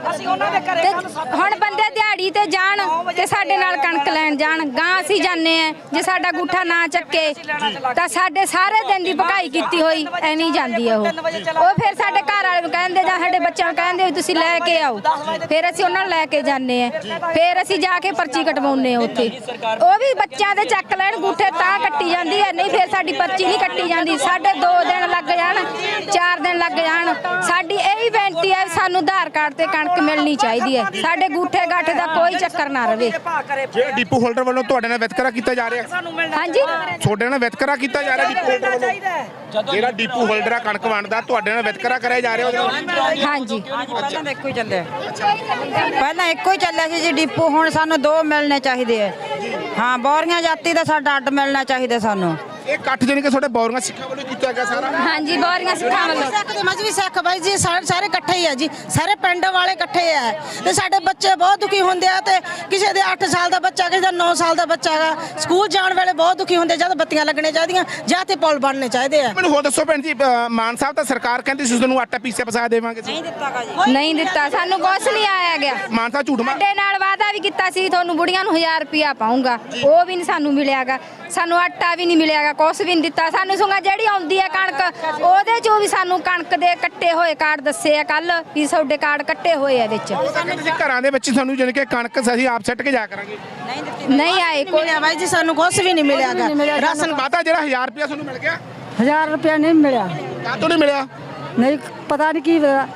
ਤੇ ਹੁਣ ਬੰਦੇ ਦਿਹਾੜੀ ਤੇ ਜਾਣ ਤੇ ਸਾਡੇ ਨਾਲ ਕਣਕ ਲੈਣ ਜਾਣ, ਗਾਂ ਅਸੀਂ ਜਾਂਦੇ ਆ। ਜੇ ਸਾਡਾ ਗੁੱਠਾ ਨਾ ਚੱਕੇ ਤਾਂ ਸਾਡੇ ਸਾਰੇ ਦਿਨ ਦੀ ਭਕਾਈ ਕੀਤੀ ਹੋਈ ਐਵੇਂ ਜਾਂਦੀ ਆ ਉਹ। ਉਹ ਫਿਰ ਸਾਡੇ ਘਰ ਵਾਲੇ ਨੂੰ ਕਹਿੰਦੇ ਜਾਂ ਸਾਡੇ ਬੱਚਿਆਂ ਨੂੰ ਕਹਿੰਦੇ ਵੀ ਤੁਸੀਂ ਲੈ ਕੇ ਆਓ। ਫਿਰ ਅਸੀਂ ਉਹਨਾਂ ਨੂੰ ਲੈ ਕੇ ਜਾਂਦੇ ਆ। ਫਿਰ ਅਸੀਂ ਜਾ ਕੇ ਪਰਚੀ ਕਟਵਾਉਂਦੇ ਆ ਉੱਥੇ। ਉਹ ਵੀ ਬੱਚਿਆਂ ਦੇ ਚੱਕ ਲੈਣ ਗੁੱਠੇ ਤਾਂ ਕੱਟੀ ਜਾਂਦੀ ਹੈ, ਨਹੀਂ ਫਿਰ ਸਾਡੀ ਪਰਚੀ ਨਹੀਂ ਕੱਟੀ ਜਾਂਦੀ। ਸਾਡੇ ਦੋ ਦਿਨ ਲੱਗ ਜਾਣ, ਚਾਰ ਦਿਨ ਲੱਗ ਜਾਣ। ਸਾਡੀ ਇਹ ਹੀ ਬੇਨਤੀ ਹੈ ਸਾਨੂੰ ਆਧਾਰ ਕਾਰਡ ਤੇ ਕਣਕ ਮਿਲਣੀ ਚਾਹੀਦੀ ਹੈ। ਸਾਡੇ ਗੁੱਠੇ ਗਾਠੇ ਦਾ ਕੋਈ ਚੱਕਰ ਨਾ ਰਵੇ।
ਜਿਹੜਾ ਡਿਪੂ ਹੋਲਡਰ ਵੱਲੋਂ ਤੁਹਾਡੇ ਨਾਲ ਵਿਤਕਰਾ ਕੀਤਾ ਜਾ ਰਿਹਾ?
ਹਾਂਜੀ,
ਤੁਹਾਡੇ ਨਾਲ ਵਿਤਕਰਾ ਕੀਤਾ ਜਾ ਰਿਹਾ ਡਿਪੂ ਹੋਲਡਰ ਵੱਲੋਂ? ਜਿਹੜਾ ਡਿਪੂ ਹੋਲਡਰ ਆ ਕਣਕ ਵੰਡਦਾ, ਤੁਹਾਡੇ ਨਾਲ ਵਿਤਕਰਾ ਕਰਿਆ ਜਾ ਰਿਹਾ ਉਹਦੇ ਨਾਲ?
ਹਾਂਜੀ,
ਪਹਿਲਾਂ ਤਾਂ ਇੱਕੋ ਹੀ ਚੱਲਿਆ। ਪਹਿਲਾਂ ਇੱਕੋ ਹੀ ਚੱਲਿਆ ਸੀ ਜੀ ਡਿਪੂ। ਹੁਣ ਸਾਨੂੰ ਦੋ ਮਿਲਣੇ ਚਾਹੀਦੇ ਆ। ਹਾਂ, ਬੋਰੀਆਂ ਜਾਤੀ ਦਾ ਸਾਡਾ ਅੱਡ ਮਿਲਣਾ ਚਾਹੀਦਾ ਸਾਨੂੰ।
ਇਹ ਇਕੱਠ ਜਾਨੀ ਕਿ ਤੁਹਾਡੇ ਬੌਰੀਆਂ ਸਿੱਖਾਂ ਵੱਲੋਂ ਕੀਤਾ ਗਿਆ ਸਾਰਾ?
ਹਾਂਜੀ, ਬੋਰੀਆਂ ਸਿੱਖਾਂ ਵੱਲੋਂ।
ਸਿੱਖ ਤੇ ਮਜ਼੍ਹਬੀ ਸਿੱਖ ਬਾਈ ਜੀ ਸਾਰੇ ਸਾਰੇ ਇਕੱਠੇ ਹੀ ਆ ਜੀ। ਸਾਰੇ ਪਿੰਡ ਵਾਲੇ ਇਕੱਠੇ ਆ ਤੇ ਸਾਡੇ ਬੱਚੇ ਬਹੁਤ ਦੁਖੀ ਹੁੰਦੇ ਆ। ਤੇ ਕਿਸੇ ਦੇ ਅੱਠ ਸਾਲ ਦਾ ਬੱਚਾ, ਕਿਸੇ ਦਾ ਨੌ ਸਾਲ ਦਾ ਬੱਚਾ ਹੈਗਾ, ਸਕੂਲ ਜਾਣ ਵੇਲੇ ਬਹੁਤ ਦੁਖੀ ਹੁੰਦੇ। ਜਦ ਬੱਤੀਆਂ ਲੱਗਣੇ ਚਾਹੀਦੀਆਂ ਜਾਂ ਤੇ ਪੁਲ ਬਣਨੇ ਚਾਹੀਦੇ ਆ।
ਮੈਨੂੰ ਹੋਰ ਦੱਸੋ ਭੈਣ ਜੀ, ਅ, ਮਾਨ ਸਾਹਿਬ ਤਾਂ ਸਰਕਾਰ ਕਹਿੰਦੀ ਸੀ ਤੁਹਾਨੂੰ ਆਟਾ ਪੀਸਿਆ ਪਸਾ ਦੇਵਾਂਗੇ।
ਨਹੀਂ ਦਿੱਤਾਗਾ ਜੀ।
ਨਹੀਂ ਦਿੱਤਾ, ਸਾਨੂੰ ਕੁਛ ਨਹੀਂ ਆਇਆ ਗਿਆ।
ਮਾਨ ਸਾਹਿਬ ਝੂਠ ਮਾਰ।
ਸਾਡੇ ਨਾਲ ਵਾਅਦਾ ਵੀ ਕੀਤਾ ਸੀ ਤੁਹਾਨੂੰ ਬੁੜੀਆਂ ਨੂੰ ਹਜ਼ਾਰ ਰੁਪਿਆ ਪਾਉਂਗਾ, ਉਹ ਵੀ ਨਹੀਂ ਸਾਨੂੰ ਮਿਲਿਆਗਾ। ਸਾਨੂੰ ਆਟਾ ਵੀ ਨਹੀਂ ਮਿਲਿਆਗਾ, ਕੁਛ ਵੀ ਨਹੀਂ ਦਿੱਤਾ ਸਾਨੂੰ। ਸੁੰਗਾ ਜਿਹੜੀ ਆਉਂਦੀ ਹੈ ਕਣਕ, ਉਹਦੇ ਚੋਂ ਵੀ ਸਾਨੂੰ ਕਣਕ ਦੇ ਕੱਟੇ ਹੋਏ ਕਾਰਡ ਦੱਸੇ ਆ ਕੱਲ ਵੀ ਤੁਹਾਡੇ ਕਾਰਡ ਕੱਟੇ ਹੋਏ ਆ ਵਿੱਚ।
ਤੁਸੀਂ ਘਰਾਂ ਦੇ ਵਿੱਚ ਸਾਨੂੰ ਜਾਨੀ ਕਿ ਕਣਕ ਅਸੀਂ ਆਪ ਸੱਟ ਕੇ ਜਾ ਕਰਾਂਗੇ।
ਨਹੀਂ ਆਏ ਕੋਈ।
ਮਿਲਿਆ ਬਾਈ ਜੀ, ਸਾਨੂੰ ਕੁਛ ਵੀ ਨਹੀਂ ਮਿਲਿਆਗਾ।
ਰਾਸ਼ਨ ਵਾਦਾ ਜਿਹੜਾ ਹਜ਼ਾਰ ਰੁਪਇਆ ਤੁਹਾਨੂੰ ਮਿਲ ਗਿਆ?
ਹਜ਼ਾਰ ਰੁਪਇਆ ਨਹੀਂ ਮਿਲਿਆ।
ਕਾਹਤੋਂ ਨਹੀਂ ਮਿਲਿਆ?
ਨਹੀਂ ਪਤਾ ਨਹੀਂ ਕੀ ਹੋਇਆ।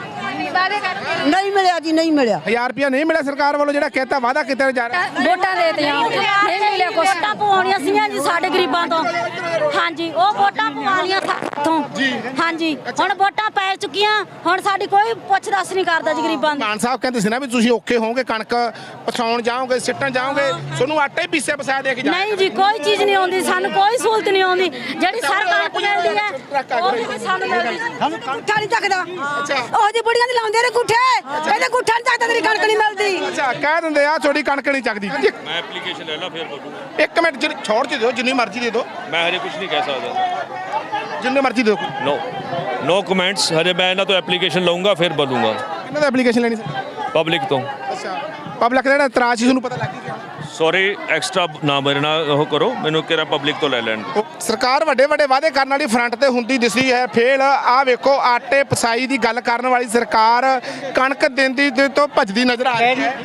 ਨਹੀਂ ਮਿਲਿਆ ਜੀ, ਨਹੀਂ ਮਿਲਿਆ।
ਹਜ਼ਾਰ ਰੁਪਇਆ ਨਹੀਂ ਮਿਲਿਆ ਸਰਕਾਰ ਵੱਲੋਂ ਜਿਹੜਾ ਕਹਿਤਾ ਵਾਦਾ ਕੀਤਾ ਜਾ ਰਿਹਾ?
ਵੋਟਾਂ ਦੇ ਦਿੱਤੀਆਂ, ਨਹੀਂ ਮਿਲਿਆ ਕੁਛ।
ਵੋਟਾਂ ਪਵਾਉਣੀਆਂ ਸੀਗੀਆਂ ਜੀ ਸਾਡੇ ਗਰੀਬਾਂ ਤੋਂ। ਹਾਂਜੀ, ਉਹ ਵੋਟਾਂ ਪਵਾਉਣੀਆਂ ਸਾਥੋਂ। ਹਾਂਜੀ, ਹੁਣ ਵੋਟਾਂ ਪੈ ਚੁੱਕੀਆਂ। ਹੁਣ ਸਾਡੀ ਕੋਈ ਪੁੱਛ ਦੱਸ ਨਹੀਂ ਕਰਦਾ ਜੀ ਗਰੀਬਾਂ ਦੀ।
ਮਾਨ ਸਾਹਿਬ ਕਹਿੰਦੇ ਸੀ ਨਾ ਵੀ ਤੁਸੀਂ ਔਖੇ ਹੋਵੋਗੇ, ਕਣਕ ਪਸਾਉਣ ਜਾਓਗੇ, ਸਿੱਟਣ ਜਾਓਗੇ, ਤੁਹਾਨੂੰ ਆਟਾ ਹੀ ਪੀਸਿਆ ਪਸਾਇਆ ਦੇ ਕੇ ਜਾ।
ਨਹੀਂ ਜੀ, ਕੋਈ ਚੀਜ਼ ਨਹੀਂ ਆਉਂਦੀ ਸਾਨੂੰ, ਕੋਈ ਸਹੂਲਤ ਨਹੀਂ ਆਉਂਦੀ। ਜਿਹੜੀ ਸਰਕਾਰ ਮਿਲਦੀ ਹੈ ਉਹ ਵੀ ਸਾਨੂੰ ਮਿਲਦੀ। ਗੁੱਠਾ ਨਹੀਂ ਚੱਕਦਾ। ਉਹ ਜੀ ਬੁੜੀਆਂ ਦੀ ਲਾਉਂਦੇ ਨੇ ਗੁੱਠੇ, ਕਹਿੰਦੇ ਗੁੱਠਾ ਨਹੀਂ ਚੱਕਦਾ, ਤੇਰੀ ਕਣਕ ਨਹੀਂ ਮਿਲਦੀ।
ਅੱਛਾ, ਕਹਿ ਦਿੰਦੇ ਆ ਤੁਹਾਡੀ ਕਣਕ ਨਹੀਂ ਚੱਕਦੀ।
मैं एप्लीकेशन ले ला फिर बोलूँगा।
ਇੱਕ ਮਿੰਟ ਜਿਹੜੀ ਛੋੜ ਚ ਦਿਓ, ਜਿੰਨੀ ਮਰਜ਼ੀ ਦੇ ਦਿਓ।
मैं हरे कुछ नहीं कह सकता।
ਜਿੰਨੇ ਮਰਜ਼ੀ ਦੇ ਦਿਓ।
No no comments. हरे मैं ना तो एप्लीकेशन लूँगा फिर बोलूँगा।
ਕਿਹਨਾਂ ਦਾ ਐਪਲੀਕੇਸ਼ਨ ਲੈਣੀ ਸੀ?
पब्लिक तो
ਅੱਛਾ, ਪਬਲਿਕ ਦਾ ਜਿਹੜਾ ਇਤਰਾਜ਼ ਸੀ ਤੁਹਾਨੂੰ ਪਤਾ ਲੱਗ ਗਿਆ?
सॉरी एक्स्ट्रा ना मेरे ना वो करो, मैंने कह रहा पब्लिक तो ले लैन।
ਸਰਕਾਰ ਵੱਡੇ ਵੱਡੇ ਵਾਅਦੇ ਕਰਨ ਵਾਲੀ ਫਰੰਟ ਤੇ ਹੁੰਦੀ ਦਿਸਦੀ ਹੈ, ਫੇਲ। ਆਹ ਵੇਖੋ, ਆਟੇ ਪਸਾਈ ਦੀ ਗੱਲ ਕਰਨ ਵਾਲੀ ਸਰਕਾਰ ਕਣਕ ਦਿੰਦੀ ਦੇ ਤੋਂ ਭੱਜਦੀ ਨਜ਼ਰ ਆ ਰਹੀ ਹੈ।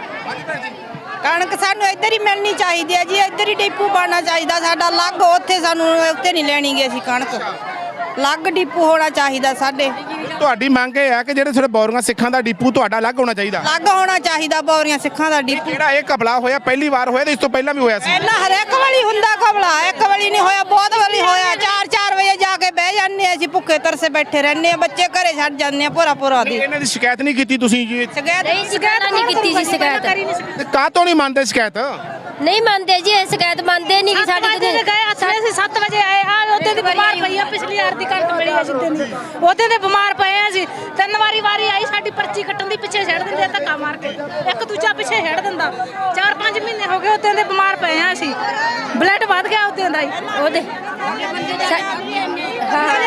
ਕਣਕ ਸਾਨੂੰ ਇੱਧਰ ਹੀ ਮਿਲਣੀ ਚਾਹੀਦੀ ਹੈ ਜੀ। ਇੱਧਰ ਹੀ ਡਿਪੂ ਬਣਨਾ ਚਾਹੀਦਾ ਸਾਡਾ ਅਲੱਗ। ਉੱਥੇ ਸਾਨੂੰ ਉੱਥੇ ਨਹੀਂ ਲੈਣੀ ਗੀ ਅਸੀਂ ਕਣਕ। ਅਲੱਗ ਡਿਪੂ ਹੋਣਾ ਚਾਹੀਦਾ ਸਾਡੇ।
ਤੁਹਾਡੀ ਮੰਗ ਇਹ ਹੈ ਕਿ ਜਿਹੜੇ ਤੁਹਾਡੇ ਬੌਰੀਆਂ ਸਿੱਖਾਂ ਦਾ ਡਿਪੂ ਤੁਹਾਡਾ ਅਲੱਗ ਹੋਣਾ ਚਾਹੀਦਾ?
ਅਲੱਗ ਹੋਣਾ ਚਾਹੀਦਾ ਬੌਰੀਆਂ ਸਿੱਖਾਂ ਦਾ ਡਿਪੂ।
ਜਿਹੜਾ ਇਹ ਘਪਲਾ ਹੋਇਆ ਪਹਿਲੀ ਵਾਰ ਹੋਇਆ ਤੇ ਇਸ ਤੋਂ ਪਹਿਲਾਂ ਵੀ ਹੋਇਆ ਸੀ?
ਪਹਿਲਾਂ ਹਰੇਕ ਵਾਲੀ ਹੁੰਦਾ ਘਪਲਾ, ਇੱਕ ਵਾਲੀ ਨਹੀਂ ਹੋਇਆ, ਬਹੁਤ ਵਾਲੀ ਹੋਇਆ। ਚਾਰ ਚਾਰ ਵਜੇ ਜਾ ਕੇ ਬਹਿ ਜਾਂਦੇ ਆ ਅਸੀਂ, ਭੁੱਖੇ ਤਰਸੇ ਬੈਠੇ ਰਹਿੰਦੇ ਆ, ਬੱਚੇ ਘਰੇ ਛੱਡ ਜਾਂਦੇ ਆ ਪੂਰਾ ਪੂਰਾ ਦੀ।
ਇਹਨਾਂ ਦੀ ਸ਼ਿਕਾਇਤ ਨਹੀਂ ਕੀਤੀ ਤੁਸੀਂ ਜੀ?
ਸ਼ਿਕਾਇਤ
ਨਹੀਂ, ਸ਼ਿਕਾਇਤ ਨਹੀਂ ਕੀਤੀ ਜੀ। ਸ਼ਿਕਾਇਤ
ਤੇ ਕਾਹਤੋਂ ਨਹੀਂ ਮੰਨਦੇ ਸ਼ਿਕਾਇਤ?
ਨਹੀਂ ਮੰਨਦੇ ਜੀ, ਇਹ ਸ਼ਿਕਾਇਤ ਮੰਨਦੇ ਨਹੀਂ ਕਿ ਸਾਡੀ
ਗਏ ਅਸੀਂ ਅਸੀਂ ਸੱਤ ਵਜੇ ਆਏ ਆ। ਉਹਦੇ ਦੀ ਬਿਮਾਰ ਪਈ ਆ, ਪਿਛਲੀ ਵਾਰ ਦੀ ਕਣਕ ਮਿਲੀ ਆ ਜਿੱਦਾਂ ਦੀ। ਉਹਦੇ ਤੇ ਬਿਮਾਰ ਪਏ ਆ ਅਸੀਂ। ਤਿੰਨ ਵਾਰੀ ਵਾਰੀ ਆਈ, ਸਾਡੀ ਪਰਚੀ ਕੱਟਣ ਦੀ ਪਿੱਛੇ ਛੱਡ ਦਿੰਦੇ ਆ ਧੱਕਾ ਮਾਰ ਕੇ। ਇੱਕ ਦੂਜਾ ਪਿੱਛੇ ਛੱਡ ਦਿੰਦਾ। ਚਾਰ ਪੰਜ ਮਹੀਨੇ ਹੋ ਗਏ ਉਹਦੇ ਦੇ ਬਿਮਾਰ ਪਏ ਆ ਅਸੀਂ। ਬਲੱਡ ਵੱਧ ਗਿਆ ਉਹਦੇ ਦਾ ਹੀ।
ਉਹਦੇ
ਹਾਂ, ਪਰਚੀਆਂ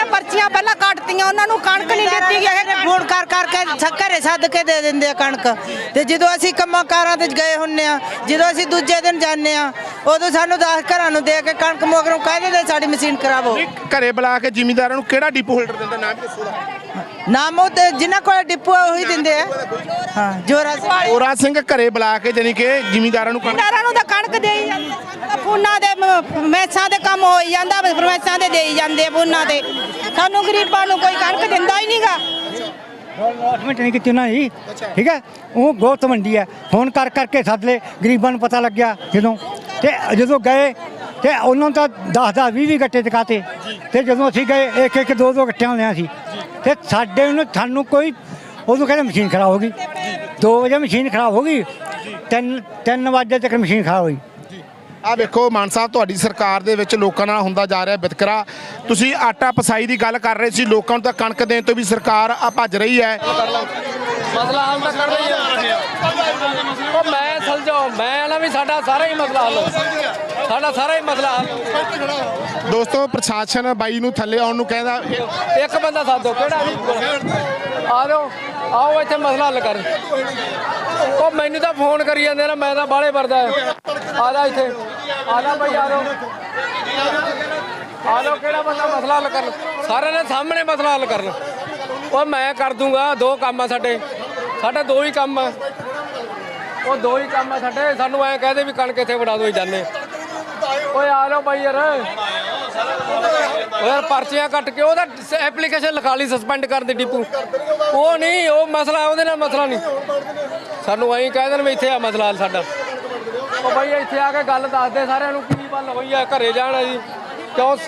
ਪਰਚੀਆਂ ਪਹਿਲਾਂ ਕੱਟਤੀਆਂ, ਉਹਨਾਂ ਨੂੰ ਕਣਕ ਨਹੀਂ ਦਿੱਤੀ ਗਈ। ਫੋਨ ਕਰ ਕਰਕੇ ਘਰੇ ਸੱਦ ਕੇ ਦੇ ਦਿੰਦੇ ਆ ਕਣਕ। ਤੇ ਜਦੋਂ ਅਸੀਂ ਕੰਮਾਂ ਕਾਰਾਂ ਤੇ ਗਏ ਹੁੰਨੇ ਆ, ਜਦੋਂ ਅਸੀਂ ਦੂਜੇ ਦਿਨ ਜਾਂਦੇ ਆ, ਉਦੋਂ ਸਾਨੂੰ ਦਸ ਘਰਾਂ ਨੂੰ ਦੇ ਕੇ ਕਣਕ ਮਗਰੋਂ ਕਹਿ ਦਿੰਦੇ ਸਾਡੀ ਮਸ਼ੀਨ ਖਰਾਬ ਹੋ।
ਘਰੇ ਬੁਲਾ ਕੇ ਜ਼ਿਮੀਂਦਾਰਾਂ ਨੂੰ ਕਿਹੜਾ ਡਿਪੂ ਹੋਲਡਰ ਦਿੰਦਾ, ਨਾਮ ਦੱਸੋ ਦਾ?
ਨਾਮ ਉਹ ਤੇ ਜਿਨ੍ਹਾਂ ਕੋਲ ਡਿਪੂ ਆ ਉਹੀ ਦਿੰਦੇ ਆ। ਹਾਂ, ਜੋਰਾ ਸਿੰਘ।
ਜੋਰਾ ਸਿੰਘ ਘਰੇ ਬੁਲਾ ਕੇ ਜਾਨੀ ਕਿ ਜ਼ਿਮੀਂਦਾਰਾਂ ਨੂੰ ਕਣਕ
ਜ਼ਿਮੀਂਦਾਰਾਂ ਨੂੰ ਤਾਂ ਕਣਕ ਦੇ ਹੀ ਜਾਂਦੇ, ਫੋਨਾਂ ਦੇ ਮੈਸਾਂ ਦੇ ਕੰਮ ਹੋ ਹੀ ਜਾਂਦਾ, ਮੈਸਾਂ ਦੇ ਦੇ ਹੀ ਜਾਂਦੇ ਫੋਨਾਂ ਤੇ। ਸਾਨੂੰ ਗਰੀਬਾਂ ਨੂੰ ਕੋਈ ਕਣਕ ਦਿੰਦਾ ਹੀ ਨਹੀਂਗਾ।
ਅਨਾਉਂਸਮੈਂਟ ਨਹੀਂ ਕੀਤੀ ਉਹਨਾਂ ਦੀ, ਠੀਕ ਹੈ। ਉਹ ਗੋਤ ਮੰਡੀ ਹੈ, ਫੋਨ ਕਰ ਕਰਕੇ ਸੱਦ ਲਏ, ਗਰੀਬਾਂ ਨੂੰ ਪਤਾ ਲੱਗਿਆ ਜਦੋਂ, ਤੇ ਜਦੋਂ ਗਏ ਤੇ ਉਹਨਾਂ ਤਾਂ ਦਸ ਦਸ ਵੀਹ ਵੀਹ ਗੱਟੇ ਚਕਾਤੇ। ਤੇ ਜਦੋਂ ਅਸੀਂ ਗਏ ਇੱਕ ਇੱਕ ਦੋ ਦੋ ਗੱਟਿਆਂ ਲਿਆ ਸੀ, ਤੇ ਸਾਡੇ ਨੂੰ ਸਾਨੂੰ ਕੋਈ ਉਦੋਂ ਕਹਿੰਦੇ ਮਸ਼ੀਨ ਖਰਾਬ ਹੋ ਗਈ। ਦੋ ਵਜੇ ਮਸ਼ੀਨ ਖਰਾਬ ਹੋ ਗਈ, ਤਿੰਨ ਤਿੰਨ ਵਜੇ ਤੱਕ ਮਸ਼ੀਨ ਖਰਾਬ ਹੋਈ।
ਆ ਵੇਖੋ ਮਾਨ ਸਾਹਿਬ, ਤੁਹਾਡੀ ਸਰਕਾਰ ਦੇ ਵਿੱਚ ਲੋਕਾਂ ਨਾਲ ਹੁੰਦਾ ਜਾ ਰਿਹਾ ਵਿਤਕਰਾ। ਤੁਸੀਂ ਆਟਾ ਪਸਾਈ ਦੀ ਗੱਲ ਕਰ ਰਹੇ ਸੀ, ਲੋਕਾਂ ਨੂੰ ਤਾਂ ਕਣਕ ਦੇਣ ਤੋਂ ਵੀ ਸਰਕਾਰ ਆ ਭੱਜ ਰਹੀ ਹੈ।
ਮਸਲਾ ਹੱਲ ਤਾਂ ਕਰ ਰਹੀ ਹੈ। ਉਹ ਮੈਂ ਸਮਝੋ, ਮੈਂ ਨਾ ਵੀ ਸਾਡਾ ਸਾਰਾ ਹੀ ਮਸਲਾ ਹੱਲ, ਸਾਡਾ ਸਾਰਾ ਹੀ ਮਸਲਾ ਹੱਲ।
ਦੋਸਤੋ, ਪ੍ਰਸ਼ਾਸਨ ਬਾਈ ਨੂੰ ਥੱਲੇ ਆਉਣ ਨੂੰ ਕਹਿੰਦਾ।
ਇੱਕ ਬੰਦਾ ਸਾਧੋ ਕਿਹੜਾ ਵੀ ਆ ਜਾਓ, ਆਓ ਇੱਥੇ ਮਸਲਾ ਹੱਲ ਕਰ। ਉਹ ਮੈਨੂੰ ਤਾਂ ਫੋਨ ਕਰੀ ਜਾਂਦੇ ਨਾ, ਮੈਂ ਤਾਂ ਬਾਹਲੇ ਵਰਦਾ। ਆ ਜਾ ਇੱਥੇ, ਆ ਜਾ ਭਾਈ, ਆ ਜਾਓ ਆ ਜਾਓ। ਕਿਹੜਾ ਬੰਦਾ ਮਸਲਾ ਹੱਲ ਕਰਨ? ਸਾਰਿਆਂ ਦੇ ਸਾਹਮਣੇ ਮਸਲਾ ਹੱਲ ਕਰਨ। ਉਹ ਮੈਂ ਕਰ ਦੂੰਗਾ। ਦੋ ਕੰਮ ਆ ਸਾਡੇ, ਸਾਡੇ ਦੋ ਹੀ ਕੰਮ ਆ। ਉਹ ਦੋ ਹੀ ਕੰਮ ਆ ਸਾਡੇ। ਸਾਨੂੰ ਐਂ ਕਹਦੇ ਵੀ ਕਣਕ ਇੱਥੇ ਵੜਾ ਦੋ, ਜਾਂਦੇ। ਓਏ ਆ ਜਾਓ ਬਾਈ ਯਾਰ, ਯਾਰ ਪਰਚੀਆਂ ਕੱਟ ਕੇ ਉਹਦਾ ਐਪਲੀਕੇਸ਼ਨ ਲਿਖਾ ਲਈ ਸਸਪੈਂਡ ਕਰ ਦੇ ਡਿਪੂ। ਉਹ ਨਹੀਂ, ਉਹ ਮਸਲਾ ਉਹਦੇ ਨਾਲ ਮਸਲਾ ਨਹੀਂ। ਸਾਨੂੰ ਐਂ ਕਹਿ ਦੇਣ ਵੀ ਇੱਥੇ ਆ ਮਸਲਾ ਸਾਡਾ। ਉਹ ਬਾਈ ਇੱਥੇ ਆ ਕੇ ਗੱਲ ਦੱਸ ਦੇ ਸਾਰਿਆਂ ਨੂੰ ਕੀ ਗੱਲ ਹੋਈ ਆ। ਘਰੇ ਜਾਣਾ ਜੀ ਕਿਉਂ?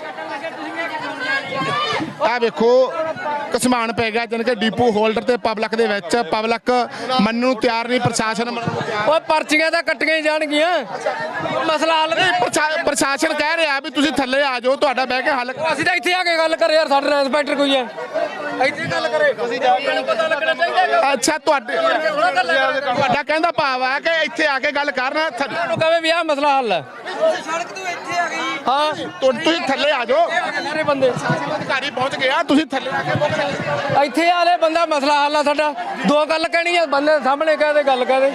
ਆ ਵੇਖੋ ਕਸਮਾਨ ਪੈ ਗਿਆ, ਜਾਣੀ ਕਿ ਡਿਪੂ ਹੋਲਡਰ ਤੇ ਪਬਲਿਕ ਦੇ ਵਿੱਚ। ਪਬਲਿਕ ਮੰਨਣ ਨੂੰ ਤਿਆਰ ਨਹੀਂ, ਪ੍ਰਸ਼ਾਸਨ ਮੰਨਣ ਨੂੰ ਤਿਆਰ।
ਓਏ ਪਰਚੀਆਂ ਤਾਂ ਕੱਟੀਆਂ ਹੀ ਜਾਣਗੀਆਂ, ਮਸਲਾ ਹੱਲ
ਪ੍ਰਸ਼ਾ- ਪ੍ਰਸ਼ਾਸਨ ਕਹਿ ਰਿਹਾ ਵੀ ਤੁਸੀਂ ਥੱਲੇ ਆ ਜਾਓ, ਤੁਹਾਡਾ ਬਹਿ ਕੇ ਹੱਲ।
ਅਸੀਂ ਤਾਂ ਇੱਥੇ ਆ ਕੇ ਗੱਲ ਕਰੇ ਯਾਰ, ਸਾਡੇ ਨਾਲ ਇੰਸਪੈਕਟਰ ਕੋਈ ਹੈ ਇੱਥੇ ਗੱਲ ਕਰੇ। ਅਸੀਂ ਜਾ ਕੇ ਪਤਾ ਲੱਗਣਾ ਚਾਹੀਦਾ।
ਅੱਛਾ, ਤੁਹਾਡੇ ਤੁਹਾਡਾ ਕਹਿੰਦਾ ਭਾਵ ਆ ਕਿ ਇੱਥੇ ਆ ਕੇ ਗੱਲ ਕਰਨਾ।
ਤੁਹਾਨੂੰ ਕਹੇ ਵੀ ਆਹ ਮਸਲਾ ਹੱਲ ਹੈ।
ਸੜਕ ਤੋਂ ਇੱਥੇ ਆ ਗਈ।
ਹਾਂ,
ਤੁਸੀਂ ਥੱਲੇ ਆ ਜਾਓ,
ਸਾਰੇ ਬੰਦੇ
ਅਧਿਕਾਰੀ ਪਹੁੰਚ ਗਿਆ, ਤੁਸੀਂ ਥੱਲੇ ਆ ਕੇ
ਇੱਥੇ ਆਲੇ ਬੰਦਾ ਮਸਲਾ ਹੱਲ ਆ ਸਾਡਾ। ਦੋ ਗੱਲ ਕਹਿਣੀ ਆ, ਬੰਦੇ ਸਾਹਮਣੇ ਕਹਦੇ ਗੱਲ ਕਹਦੇ।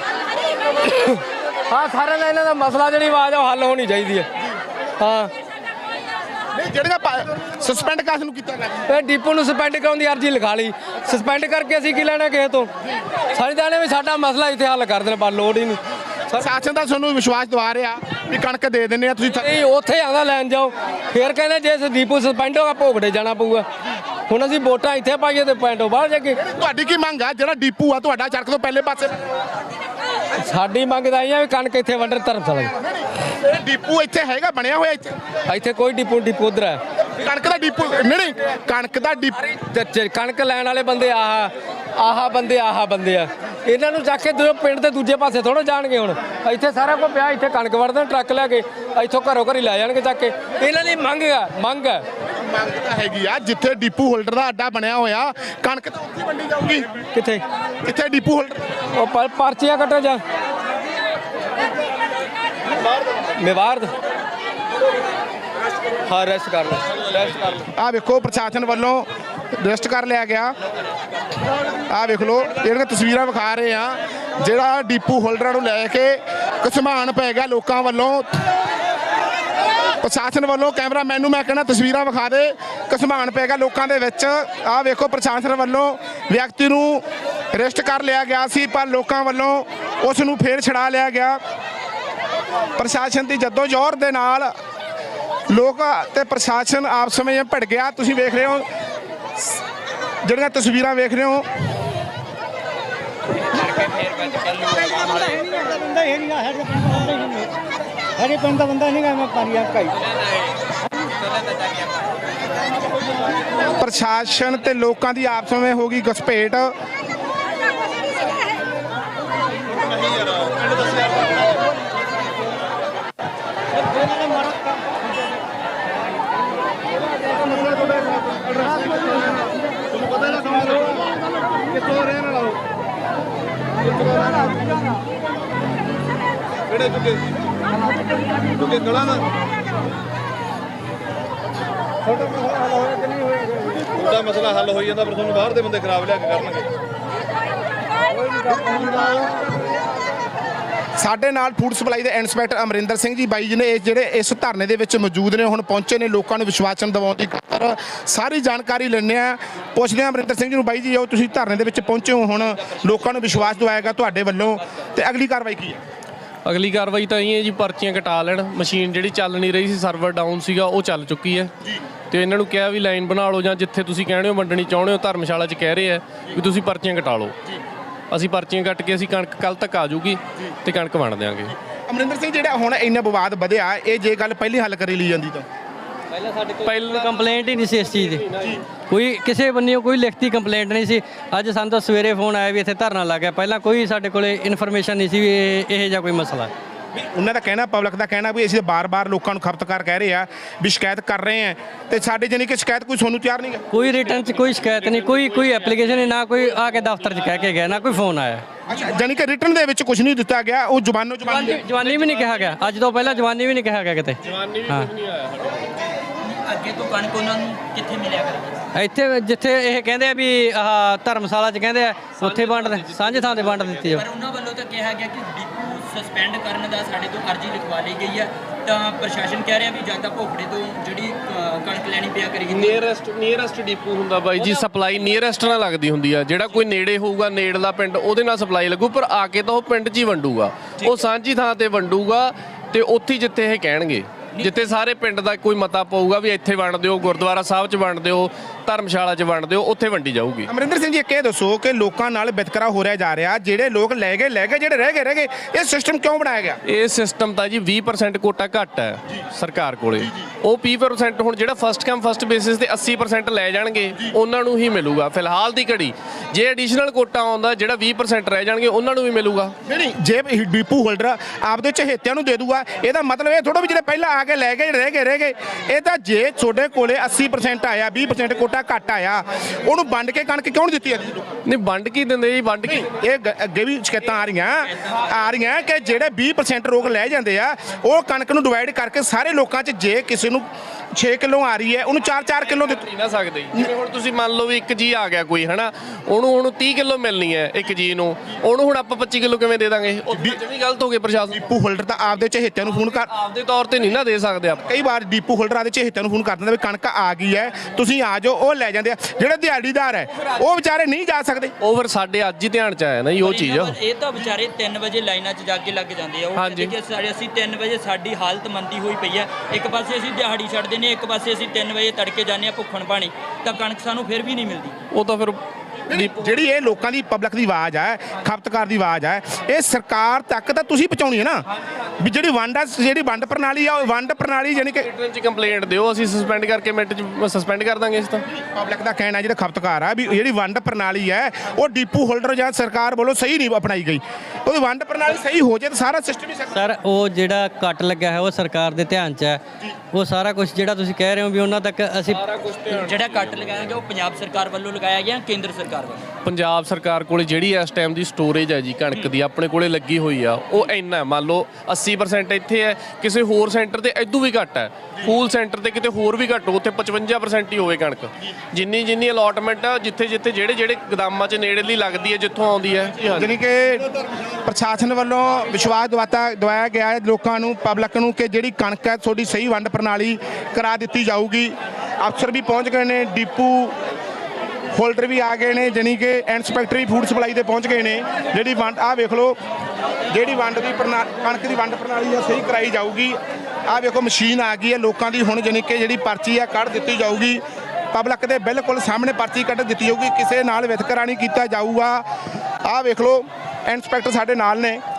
ਹਾਂ, ਸਾਰਿਆਂ ਦਾ ਇਹਨਾਂ ਦਾ ਮਸਲਾ ਜਿਹੜੀ ਆਵਾਜ਼ ਉਹ ਹੱਲ ਹੋਣੀ ਚਾਹੀਦੀ ਹੈ। ਹਾਂ,
ਨਹੀਂ ਜਿਹੜੀਆਂ ਸਸਪੈਂਡ ਕਾਸ ਨੂੰ ਕੀਤਾ ਗਿਆ,
ਇਹ ਡਿਪੂ ਨੂੰ ਸਸਪੈਂਡ ਕਰਾਉਣ ਦੀ ਅਰਜ਼ੀ ਲਿਖਾ ਲਈ। ਸਸਪੈਂਡ ਕਰਕੇ ਅਸੀਂ ਕੀ ਲੈਣਾ ਕਿਸੇ ਤੋਂ? ਸਾਡੀ ਤਾਂ ਵੀ ਸਾਡਾ ਮਸਲਾ ਇੱਥੇ ਹੱਲ ਕਰ ਦੇਣ, ਪਰ ਲੋੜ ਹੀ ਨਹੀਂ।
ਪ੍ਰਸ਼ਾਸਨ ਦਾ ਤੁਹਾਨੂੰ ਵਿਸ਼ਵਾਸ ਦਿਵਾ ਰਿਹਾ ਵੀ ਕਣਕ ਦੇ ਦਿੰਦੇ ਆ, ਤੁਸੀਂ
ਨਹੀਂ ਉੱਥੇ ਆਉਂਦਾ ਲੈਣ ਜਾਓ। ਫਿਰ ਕਹਿੰਦੇ ਜੇ ਡਿਪੂ ਸਸਪੈਂਡ ਹੋਗਾ ਭੋਗੜੇ ਜਾਣਾ ਪਊਗਾ। ਹੁਣ ਅਸੀਂ ਵੋਟਾਂ ਇੱਥੇ ਪਾਈਏ ਤੇ ਪੈਂਟੋ ਬਾਹਰ ਜਾ ਕੇ।
ਤੁਹਾਡੀ ਕੀ ਮੰਗ ਆ? ਜਿਹੜਾ ਡਿਪੂ ਆ ਤੁਹਾਡਾ ਸੜਕ ਤੋਂ ਪਹਿਲੇ ਪਾਸੇ,
ਸਾਡੀ ਮੰਗ ਤਾਂ ਇਹ ਆ ਵੀ ਕਣਕ ਇੱਥੇ ਵੰਡਰ ਧਰਮਸ਼ਾਲਾ।
ਡਿਪੂ ਇੱਥੇ ਹੈਗਾ ਬਣਿਆ ਹੋਇਆ? ਇੱਥੇ
ਇੱਥੇ ਕੋਈ ਡਿਪੂ ਡਿਪੂ ਉਧਰ ਹੈ।
ਕਣਕ ਦਾ ਡਿਪੂ ਨਹੀਂ, ਨਹੀਂ ਕਣਕ ਦਾ ਡਿਪੂ।
ਕਣਕ ਲੈਣ ਵਾਲੇ ਬੰਦੇ ਆਹ ਆਹ ਬੰਦੇ ਆਹ ਬੰਦੇ ਆ। ਇਹਨਾਂ ਨੂੰ ਜਾ ਕੇ ਦੂਜੇ ਪਿੰਡ ਦੇ ਦੂਜੇ ਪਾਸੇ ਥੋੜਾ ਜਾਣਗੇ। ਹੁਣ ਇੱਥੇ ਸਾਰਾ ਕੁਝ ਪਿਆ, ਇੱਥੇ ਕਣਕ ਵੜਦੇ ਟਰੱਕ ਲੈ ਕੇ ਇੱਥੋਂ ਘਰੋਂ ਘਰੀ ਲੈ ਜਾਣਗੇ ਚੱਕ ਕੇ। ਇਹਨਾਂ ਦੀ ਮੰਗ ਆ, ਮੰਗ ਹੈ
ਮੰਗ ਤਾਂ ਹੈਗੀ ਆ। ਜਿੱਥੇ ਡਿਪੂ ਹੋਲਡਰ ਦਾ ਅੱਡਾ ਬਣਿਆ ਹੋਇਆ, ਕਣਕ ਤਾਂ ਉੱਥੇ ਵੰਡੀ ਜਾਊਗੀ।
ਕਿੱਥੇ
ਕਿੱਥੇ ਡਿਪੂ ਹੋਲਡਰ?
ਉਹ ਪਰ ਪਰਚੀਆਂ ਕੱਟੋ ਜਾ ਮੇਵਾਰਦ। ਹਾਂ, ਰੈਸਟ ਕਰ ਲਓ, ਰੈਸਟ ਕਰ ਲਓ।
ਆ ਵੇਖੋ ਪ੍ਰਸ਼ਾਸਨ ਵੱਲੋਂ ਰੈਸਟ ਕਰ ਲਿਆ ਗਿਆ। ਆ ਵੇਖ ਲਓ, ਜਿਹੜੀਆਂ ਤਸਵੀਰਾਂ ਵਿਖਾ ਰਹੇ ਆ, ਜਿਹੜਾ ਡਿਪੂ ਹੋਲਡਰਾਂ ਨੂੰ ਲੈ ਕੇ ਘਸਮਾਨ ਪੈ ਗਿਆ ਲੋਕਾਂ ਵੱਲੋਂ। ਪ੍ਰਸ਼ਾਸਨ ਵੱਲੋਂ ਕੈਮਰਾਮੈਨ ਨੂੰ ਮੈਂ ਕਹਿੰਦਾ ਤਸਵੀਰਾਂ ਵਿਖਾ ਦੇ, ਘਸਮਾਨ ਪੈ ਗਿਆ ਲੋਕਾਂ ਦੇ ਵਿੱਚ। ਆ ਵੇਖੋ ਪ੍ਰਸ਼ਾਸਨ ਵੱਲੋਂ ਵਿਅਕਤੀ ਨੂੰ ਅਰੈਸਟ ਕਰ ਲਿਆ ਗਿਆ ਸੀ, ਪਰ ਲੋਕਾਂ ਵੱਲੋਂ ਉਸ ਨੂੰ ਫੇਰ ਛੁਡਾ ਲਿਆ ਗਿਆ। ਪ੍ਰਸ਼ਾਸਨ ਦੀ ਜੱਦੋ-ਜਹਿਦ ਦੇ ਨਾਲ ਲੋਕ ਤੇ ਪ੍ਰਸ਼ਾਸਨ ਆਪਸ ਵਿੱਚ ਭਿੜ ਗਿਆ। ਤੁਸੀਂ ਵੇਖ ਰਹੇ ਹੋ, ਜਿਹੜੀਆਂ ਤਸਵੀਰਾਂ ਵੇਖ ਰਹੇ ਹੋ।
ਸਾਡੇ ਪਿੰਡ ਦਾ ਬੰਦਾ ਨਹੀਂ ਗਾ, ਮੈਂ ਪਾਣੀ ਆ ਕਾਈ।
ਪ੍ਰਸ਼ਾਸਨ ਤੇ ਲੋਕਾਂ ਦੀ ਆਪਸ ਵਿੱਚ ਹੋ ਗਈ ਘਸਪੇਟ। ਕਿਹੜੇ ਚੁੱਕੇ ਚੁੱਕੇ ਗਲਾ ਨਾ ਛੋਟਾ ਮਸਲਾ ਹੱਲ ਹੋਇਆ ਕਿ ਨਹੀਂ ਹੋਇਆ?
ਤੁਹਾਡਾ ਮਸਲਾ ਹੱਲ ਹੋਈ ਜਾਂਦਾ ਪਰ ਤੁਹਾਨੂੰ ਬਾਹਰ ਦੇ ਬੰਦੇ ਖਰਾਬ ਲਿਆ ਕੇ ਕਰਨਗੇ।
ਸਾਡੇ ਨਾਲ ਫੂਡ ਸਪਲਾਈ ਦੇ ਇੰਸਪੈਕਟਰ ਅਮਰਿੰਦਰ ਸਿੰਘ ਜੀ ਬਾਈ ਜੀ ਨੇ ਇਹ ਜਿਹੜੇ ਇਸ ਧਰਨੇ ਦੇ ਵਿੱਚ ਮੌਜੂਦ ਨੇ, ਹੁਣ ਪਹੁੰਚੇ ਨੇ ਲੋਕਾਂ ਨੂੰ ਵਿਸ਼ਵਾਸਨ ਦਿਵਾਉਣ ਦੀ ਖਾਤਰ। ਸਾਰੀ ਜਾਣਕਾਰੀ ਲੈਂਦੇ ਆ, ਪੁੱਛਦੇ ਆ ਅਮਰਿੰਦਰ ਸਿੰਘ ਜੀ ਨੂੰ। ਬਾਈ ਜੀ ਜੋ ਤੁਸੀਂ ਧਰਨੇ ਦੇ ਵਿੱਚ ਪਹੁੰਚੇ ਹੋ, ਹੁਣ ਲੋਕਾਂ ਨੂੰ ਵਿਸ਼ਵਾਸ ਦਿਵਾਏਗਾ ਤੁਹਾਡੇ ਵੱਲੋਂ, ਤੇ ਅਗਲੀ ਕਾਰਵਾਈ ਕੀ ਹੈ?
ਅਗਲੀ ਕਾਰਵਾਈ ਤਾਂ ਇਹ ਹੈ ਜੀ, ਪਰਚੀਆਂ ਕਟਾ ਲੈਣ। ਮਸ਼ੀਨ ਜਿਹੜੀ ਚੱਲ ਨਹੀਂ ਰਹੀ ਸੀ, ਸਰਵਰ ਡਾਊਨ ਸੀਗਾ, ਉਹ ਚੱਲ ਚੁੱਕੀ ਹੈ ਤੇ ਇਹਨਾਂ ਨੂੰ ਕਿਹਾ ਵੀ ਲਾਈਨ ਬਣਾ ਲਓ, ਜਾਂ ਜਿੱਥੇ ਤੁਸੀਂ ਕਹਿੰਦੇ ਹੋ ਵੰਡਣੀ ਚਾਹੁੰਦੇ ਹੋ, ਧਰਮਸ਼ਾਲਾ 'ਚ ਕਹਿ ਰਹੇ ਆ ਵੀ ਤੁਸੀਂ ਪਰਚੀਆਂ ਕਟਾ ਲਓ। ਅਸੀਂ ਪਰਚੀਆਂ ਕੱਟ ਕੇ ਅਸੀਂ ਕਣਕ ਕੱਲ ਤੱਕ ਆ ਜਾਊਗੀ ਤੇ ਕਣਕ ਵੰਡ ਦਿਆਂਗੇ।
ਅਮਰਿੰਦਰ ਸਿੰਘ, ਜਿਹੜਾ ਹੁਣ ਇੰਨਾ ਵਿਵਾਦ ਵਧਿਆ, ਇਹ ਜੇ ਗੱਲ ਪਹਿਲੀ ਹੱਲ ਕਰੀ ਲਈ ਜਾਂਦੀ ਤਾਂ
ਪਹਿਲਾਂ ਕੰਪਲੇਂਟ ਹੀ ਨਹੀਂ ਸੀ ਇਸ ਚੀਜ਼ ਦੀ, ਕੋਈ ਕਿਸੇ ਬੰਨਿਓ ਕੋਈ ਲਿਖਤੀ ਕੰਪਲੇਂਟ ਨਹੀਂ ਸੀ। ਅੱਜ ਸਾਨੂੰ ਤਾਂ ਸਵੇਰੇ ਫੋਨ ਆਇਆ ਵੀ ਇੱਥੇ ਧਰਨਾ ਲੱਗ ਗਿਆ, ਪਹਿਲਾਂ ਕੋਈ ਸਾਡੇ ਕੋਲੇ ਇਨਫੋਰਮੇਸ਼ਨ ਨਹੀਂ ਸੀ ਵੀ ਇਹ ਇਹੋ ਜਿਹਾ ਕੋਈ ਮਸਲਾ।
ਉਹਨਾਂ ਦਾ ਕਹਿਣਾ, ਪਬਲਿਕ ਦਾ ਕਹਿਣਾ ਵੀ ਅਸੀਂ ਬਾਰ-ਬਾਰ ਲੋਕਾਂ ਨੂੰ ਖਪਤਕਾਰ ਕਹਿ ਰਹੇ ਆ ਵੀ ਸ਼ਿਕਾਇਤ ਕਰ ਰਹੇ ਆ, ਤੇ ਸਾਡੇ ਜਾਨੀ ਕਿ ਸ਼ਿਕਾਇਤ ਕੋਈ ਤੁਹਾਨੂੰ ਤਿਆਰ ਨਹੀਂ ਹੈ।
ਕੋਈ ਰਿਟਰਨ 'ਚ ਕੋਈ ਸ਼ਿਕਾਇਤ ਨਹੀਂ, ਕੋਈ ਕੋਈ ਐਪਲੀਕੇਸ਼ਨ ਨਹੀਂ, ਨਾ ਕੋਈ ਆ ਕੇ ਦਫ਼ਤਰ 'ਚ ਕਹਿ ਕੇ ਗਿਆ, ਨਾ ਕੋਈ ਫੋਨ ਆਇਆ।
ਅੱਛਾ, ਜਾਨੀ ਕਿ ਰਿਟਰਨ ਦੇ ਵਿੱਚ ਕੁਝ ਨਹੀਂ ਦਿੱਤਾ ਗਿਆ, ਉਹ ਜ਼ੁਬਾਨੋਂ ਜ਼ੁਬਾਨ
ਜਵਾਨੀ ਵੀ ਨਹੀਂ ਕਿਹਾ ਗਿਆ, ਅੱਜ ਤੋਂ ਪਹਿਲਾਂ ਜਵਾਨੀ ਵੀ ਨਹੀਂ ਕਿਹਾ ਗਿਆ ਕਿਤੇ। ਹਾਂ,
ਅੱਗੇ ਤੋਂ ਕਣਕ ਉਹਨਾਂ ਨੂੰ ਕਿੱਥੇ ਮਿਲਿਆ ਕਰੇਗੀ?
ਇੱਥੇ ਜਿੱਥੇ ਇਹ ਕਹਿੰਦੇ ਆ ਵੀ ਆਹ ਧਰਮਸ਼ਾਲਾ 'ਚ ਕਹਿੰਦੇ ਆ ਉੱਥੇ ਵੰਡ ਸਾਂਝੇ ਥਾਂ ਤੇ ਵੰਡ ਦਿੱਤੀ ਜਾਵੇ।
ਪਰ ਉਹਨਾਂ ਵੱਲੋਂ ਤਾਂ ਕਿਹਾ ਗਿਆ ਕਿ ਡਿਪੂ ਸਸਪੈਂਡ ਕਰਨ ਦਾ ਸਾਡੇ ਤੋਂ ਅਰਜ਼ੀ ਲਿਖਵਾ ਲਈ ਗਈ ਹੈ, ਤਾਂ ਪ੍ਰਸ਼ਾਸਨ ਕਹਿ ਰਿਹਾ ਵੀ ਜਾਂ ਤਾਂ ਭੋਗੜੇ ਤੋਂ ਜਿਹੜੀ ਅ, ਕਣਕ ਲੈਣੀ ਪਿਆ ਕਰੇਗੀ।
ਨੀਅਰੈਸਟ ਨੀਅਰੈਸਟ ਡਿਪੂ ਹੁੰਦਾ ਬਾਈ ਜੀ, ਸਪਲਾਈ ਨੀਅਰੈਸਟ ਨਾਲ ਲੱਗਦੀ ਹੁੰਦੀ ਆ। ਜਿਹੜਾ ਕੋਈ ਨੇੜੇ ਹੋਊਗਾ, ਨੇੜਲਾ ਪਿੰਡ, ਉਹਦੇ ਨਾਲ ਸਪਲਾਈ ਲੱਗੂ, ਪਰ ਆ ਕੇ ਤਾਂ ਉਹ ਪਿੰਡ 'ਚ ਹੀ ਵੰਡੂਗਾ, ਉਹ ਸਾਂਝੀ ਥਾਂ ਤੇ ਵੰਡੂਗਾ ਤੇ ਉੱਥੇ ਜਿੱਥੇ ਇਹ ਕਹਿਣਗੇ, ਜਿੱਥੇ ਸਾਰੇ ਪਿੰਡ ਦਾ ਕੋਈ ਮਤਾ ਪਊਗਾ ਵੀ ਇੱਥੇ ਵੰਡ ਦਿਓ, ਗੁਰਦੁਆਰਾ ਸਾਹਿਬ 'ਚ ਵੰਡ ਦਿਓ, ਧਰਮਸ਼ਾਲਾ 'ਚ ਵੰਡ ਦਿਓ, ਉੱਥੇ ਵੰਡੀ ਜਾਊਗੀ।
ਅਮਰਿੰਦਰ ਸਿੰਘ ਜੀ, ਇੱਕ ਇਹ ਦੱਸੋ ਕਿ ਲੋਕਾਂ ਨਾਲ ਵਿਤਕਰਾ ਹੋ ਰਿਹਾ ਜਾ ਰਿਹਾ, ਜਿਹੜੇ ਲੋਕ ਲੈ ਗਏ ਲੈ ਗਏ, ਜਿਹੜੇ ਰਹਿ ਗਏ ਰਹਿ ਗਏ, ਇਹ ਸਿਸਟਮ ਕਿਉਂ ਬਣਾਇਆ ਗਿਆ?
ਇਹ ਸਿਸਟਮ ਤਾਂ ਜੀ ਵੀਹ ਪਰਸੈਂਟ ਕੋਟਾ ਘੱਟ ਹੈ ਸਰਕਾਰ ਕੋਲੇ, ਉਹ ਵੀਹ ਪਰਸੈਂਟ ਹੁਣ ਜਿਹੜਾ ਫਸਟ ਕਮ ਫਸਟ ਬੇਸਿਸ ਤੇ ਅੱਸੀ ਪਰਸੈਂਟ ਲੈ ਜਾਣਗੇ, ਉਹਨਾਂ ਨੂੰ ਹੀ ਮਿਲੂਗਾ ਫਿਲਹਾਲ ਦੀ ਘੜੀ। ਜੇ ਐਡੀਸ਼ਨਲ ਕੋਟਾ ਆਉਂਦਾ ਜਿਹੜਾ ਵੀਹ ਪਰਸੈਂਟ ਰਹਿ ਜਾਣਗੇ, ਉਹਨਾਂ ਨੂੰ ਵੀ ਮਿਲੂਗਾ।
ਨਹੀਂ, ਜੇ ਡੀਪੂ ਹੋਲਡਰ ਆਪਦੇ ਚਹੇਤਿਆਂ ਨੂੰ ਦੇ ਦੂਗਾ, ਇਹਦਾ ਮਤਲਬ ਇਹ ਥੋੜਾ ਵੀ ਜਿਹੜੇ ਪਹਿਲਾਂ ਆ ਕੇ ਲੈ ਗਏ ਰਹਿ ਗਏ ਰਹਿ ਗਏ। ਇਹ ਤਾਂ ਜੇ ਤੁਹਾਡੇ ਕੋਲੇ ਅੱਸੀ ਪਰਸੈਂਟ ਆਇਆ, ਵੀਹ ਪਰਸੈਂਟ ਕੋਟਾ ਘੱਟ ਆਇਆ, ਉਹਨੂੰ ਵੰਡ ਕੇ ਕਣਕ ਕਿਉਂ ਨਹੀਂ ਦਿੱਤੀ ਜਾਂਦੀ?
ਨਹੀਂ, ਵੰਡ ਕੀ ਦਿੰਦੇ ਜੀ, ਵੰਡ ਕੀ?
ਇਹ ਗ- ਅੱਗੇ ਵੀ ਸ਼ਿਕਾਇਤਾਂ ਆ ਰਹੀਆਂ ਆ ਰਹੀਆਂ ਕਿ ਜਿਹੜੇ ਵੀਹ ਪਰਸੈਂਟ ਲੋਕ ਲੈ ਜਾਂਦੇ ਆ, ਉਹ ਕਣਕ ਨੂੰ ਡਿਵਾਈਡ ਕਰਕੇ ਸਾਰੇ ਲੋਕਾਂ 'ਚ, ਜੇ ਕਿਸੇ ਨੂੰ ਛੇ ਕਿਲੋ ਆ ਰਹੀ ਹੈ, ਉਹਨੂੰ ਚਾਰ ਚਾਰ ਕਿਲੋ ਦਿੱਤੀ
ਨਹੀਂ ਨਾ ਸਕਦੇ। ਜਿਵੇਂ ਹੁਣ ਤੁਸੀਂ ਮੰਨ ਲਓ ਵੀ ਇੱਕ ਜੀ ਆ ਗਿਆ ਕੋਈ, ਹਨਾ, ਉਹਨੂੰ ਹੁਣ ਤੀਹ ਕਿਲੋ ਮਿਲਣੀ ਹੈ ਇੱਕ ਜੀ ਨੂੰ, ਉਹਨੂੰ ਹੁਣ ਆਪਾਂ ਪੱਚੀ ਕਿਲੋ ਕਿਵੇਂ ਦੇ ਦਾਂਗੇ? ਉਹ ਵੀ ਗਲਤ ਹੋ ਗਏ ਪ੍ਰਸ਼ਾਸਨ।
ਡੀਪੂ ਹੋਲਡਰ ਤਾਂ ਆਪਦੇ ਚਹੇਤਿਆਂ ਨੂੰ ਫੋਨ ਕਰ
ਆਪਦੇ ਤੌਰ ਤੇ ਨਹੀਂ ਨਾ ਦੇ ਸਕਦੇ ਆਪਾਂ।
ਕਈ ਵਾਰ ਡੀਪੂ ਹੋਲਡਰ ਆਪਦੇ ਚਹੇਤਿਆਂ ਨੂੰ ਫੋਨ ਕਰ ਦਿੰਦਾ ਵੀ ਕਣਕ ਆ ਗਈ ਹੈ, ਤੁਸੀਂ ਆ ਜਾਓ, ਉਹ ਲੈ ਜਾਂਦੇ ਆ। ਜਿਹੜੇ ਦਿਹਾੜੀਦਾਰ ਹੈ, ਉਹ ਵਿਚਾਰੇ ਨਹੀਂ ਜਾ ਸਕਦੇ।
ਉਹ ਫਿਰ ਸਾਡੇ ਅੱਜ ਹੀ ਧਿਆਨ 'ਚ ਆਇਆ ਨਾ ਜੀ ਉਹ ਚੀਜ਼।
ਇਹ ਤਾਂ ਵਿਚਾਰੇ ਤਿੰਨ ਵਜੇ ਲਾਈਨਾਂ 'ਚ ਜਾ ਕੇ ਲੱਗ ਜਾਂਦੇ ਆ। ਉਹ ਕਹਿੰਦੇ ਕਿ ਸਾਡੇ ਅਸੀਂ ਤਿੰਨ ਵਜੇ ਸਾਡੀ ਹਾਲਤ ਮੰਦੀ ਹੋਈ ਪਈ ਹੈ, ਇੱਕ ਪਾਸੇ ਅਸੀਂ ਦਿਹਾੜੀ ਛੱਡਦੇ ਨੇ, ਇੱਕ ਪਾਸੇ ਅਸੀਂ ਤਿੰਨ ਵਜੇ ਤੜਕੇ ਜਾਂਦੇ ਆ ਭੁੱਖਣ ਪਾਣੀ, ਤਾਂ ਕਣਕ ਸਾਨੂੰ ਫਿਰ ਵੀ ਨਹੀਂ ਮਿਲਦੀ।
ਉਹ ਤਾਂ ਫਿਰ
ਜਿਹੜੀ ਇਹ ਲੋਕਾਂ ਦੀ ਪਬਲਿਕ ਦੀ ਆਵਾਜ਼ ਹੈ, ਖਪਤਕਾਰ ਦੀ ਆਵਾਜ਼ ਹੈ, ਇਹ ਸਰਕਾਰ ਤੱਕ ਤਾਂ ਤੁਸੀਂ ਪਹੁੰਚਾਉਣੀ ਹੈ ਨਾ, ਵੀ ਜਿਹੜੀ ਵੰਡ ਆ, ਜਿਹੜੀ ਵੰਡ ਪ੍ਰਣਾਲੀ ਆ, ਉਹ ਵੰਡ ਪ੍ਰਣਾਲੀ ਯਾਨੀ ਕਿ
ਰਿਟਰਨ 'ਚ ਕੰਪਲੇਂਟ ਦਿਓ, ਅਸੀਂ ਸਸਪੈਂਡ ਕਰਕੇ ਮਿੰਟ 'ਚ ਸਸਪੈਂਡ ਕਰ ਦਾਂਗੇ। ਇਸ ਤਾਂ
ਪਬਲਿਕ ਦਾ ਕਹਿਣਾ, ਜਿਹੜਾ ਖਪਤਕਾਰ ਆ, ਵੀ ਜਿਹੜੀ ਵੰਡ ਪ੍ਰਣਾਲੀ ਹੈ, ਉਹ ਡੀਪੂ ਹੋਲਡਰ ਜਾਂ ਸਰਕਾਰ ਵੱਲੋਂ ਸਹੀ ਨਹੀਂ ਅਪਣਾਈ ਗਈ। ਉਹਦੀ ਵੰਡ ਪ੍ਰਣਾਲੀ ਸਹੀ ਹੋ ਜਾਏ ਤਾਂ ਸਾਰਾ ਸਿਸਟਮ ਹੀ
ਸਰ, ਉਹ ਜਿਹੜਾ ਕੱਟ ਲੱਗਿਆ ਹੈ ਉਹ ਸਰਕਾਰ ਦੇ ਧਿਆਨ 'ਚ ਹੈ। ਉਹ ਸਾਰਾ ਕੁਝ ਜਿਹੜਾ ਤੁਸੀਂ ਕਹਿ ਰਹੇ ਹੋ ਵੀ ਉਹਨਾਂ ਤੱਕ ਅਸੀਂ
ਜਿਹੜਾ ਕੱਟ ਲਗਾਇਆ ਗਿਆ ਉਹ ਪੰਜਾਬ ਸਰਕਾਰ ਵੱਲੋਂ ਲਗਾਇਆ ਗਿਆ, ਕੇਂਦਰ ਸਰਕਾਰ ਵੱਲੋਂ?
ਪੰਜਾਬ ਸਰਕਾਰ ਕੋਲੇ ਜਿਹੜੀ ਇਸ ਟਾਈਮ ਦੀ ਸਟੋਰੇਜ ਹੈ ਜੀ ਕਣਕ ਦੀ, ਆਪਣੇ ਕੋਲੇ ਲੱਗੀ ਹੋਈ ਆ, ਉਹ ਇੰਨਾ ਮੰਨ ਲਓ ਅੱਸੀ ਪਰਸੈਂਟ ਇੱਥੇ ਹੈ, ਕਿਸੇ ਹੋਰ ਸੈਂਟਰ ਤੇ ਇਦੋਂ ਵੀ ਘੱਟ ਹੈ, ਫੂਲ ਸੈਂਟਰ ਤੇ ਕਿਤੇ ਹੋਰ ਵੀ ਘੱਟ ਹੋ, ਉੱਥੇ ਪਚਵੰਜਾ ਪਰਸੈਂਟ ਹੀ ਹੋਵੇ ਕਣਕ। ਜਿੰਨੀ ਜਿੰਨੀ ਅਲਾਟਮੈਂਟ ਆ, ਜਿੱਥੇ ਜਿੱਥੇ ਜਿਹੜੇ ਜਿਹੜੇ ਗਦਾਮਾਂ 'ਚ ਨੇੜੇਲੀ ਲੱਗਦੀ ਹੈ, ਜਿੱਥੋਂ ਆਉਂਦੀ ਹੈ।
ਯਾਨੀ ਕਿ ਪ੍ਰਸ਼ਾਸਨ ਵੱਲੋਂ ਵਿਸ਼ਵਾਸ ਦਿਵਾਤਾ ਦਵਾਇਆ ਗਿਆ ਹੈ ਲੋਕਾਂ ਨੂੰ, ਪਬਲਿਕ ਨੂੰ, ਕਿ ਜਿਹੜੀ ਕਣਕ ਹੈ ਤੁਹਾਡੀ ਸਹੀ ਵੰਡ ਪ੍ਰਣਾਲੀ ਕਰਾ ਦਿੱਤੀ ਜਾਊਗੀ। ਅਫਸਰ ਵੀ ਪਹੁੰਚ ਗਏ ਨੇ, ਡੀਪੂ ਹੋਲਡਰ ਵੀ ਆ ਗਏ ਨੇ, ਜਾਨੀ ਕਿ ਇੰਸਪੈਕਟਰ ਵੀ ਫੂਡ ਸਪਲਾਈ ਤੇ ਪਹੁੰਚ ਗਏ ਨੇ। ਜਿਹੜੀ ਵੰਡ ਆਹ ਵੇਖ ਲਓ, ਜਿਹੜੀ ਵੰਡ ਦੀ ਪ੍ਰਣਾ ਕਣਕ ਦੀ ਵੰਡ ਪ੍ਰਣਾਲੀ ਆ ਸਹੀ ਕਰਾਈ ਜਾਊਗੀ। ਆਹ ਵੇਖੋ ਮਸ਼ੀਨ ਆ ਗਈ ਹੈ ਲੋਕਾਂ ਦੀ, ਹੁਣ ਜਾਨੀ ਕਿ ਜਿਹੜੀ ਪਰਚੀ ਆ ਕੱਢ ਦਿੱਤੀ ਜਾਊਗੀ। ਪਬਲਿਕ ਦੇ ਬਿਲਕੁਲ ਸਾਹਮਣੇ ਪਰਚੀ ਕੱਢ ਦਿੱਤੀ ਜਾਊਗੀ, ਕਿਸੇ ਨਾਲ ਵਿਤਕਰਾ ਨਹੀਂ ਕੀਤਾ ਜਾਊਗਾ। ਆਹ ਵੇਖ ਲਓ ਇੰਸਪੈਕਟਰ ਸਾਡੇ ਨਾਲ ਨੇ।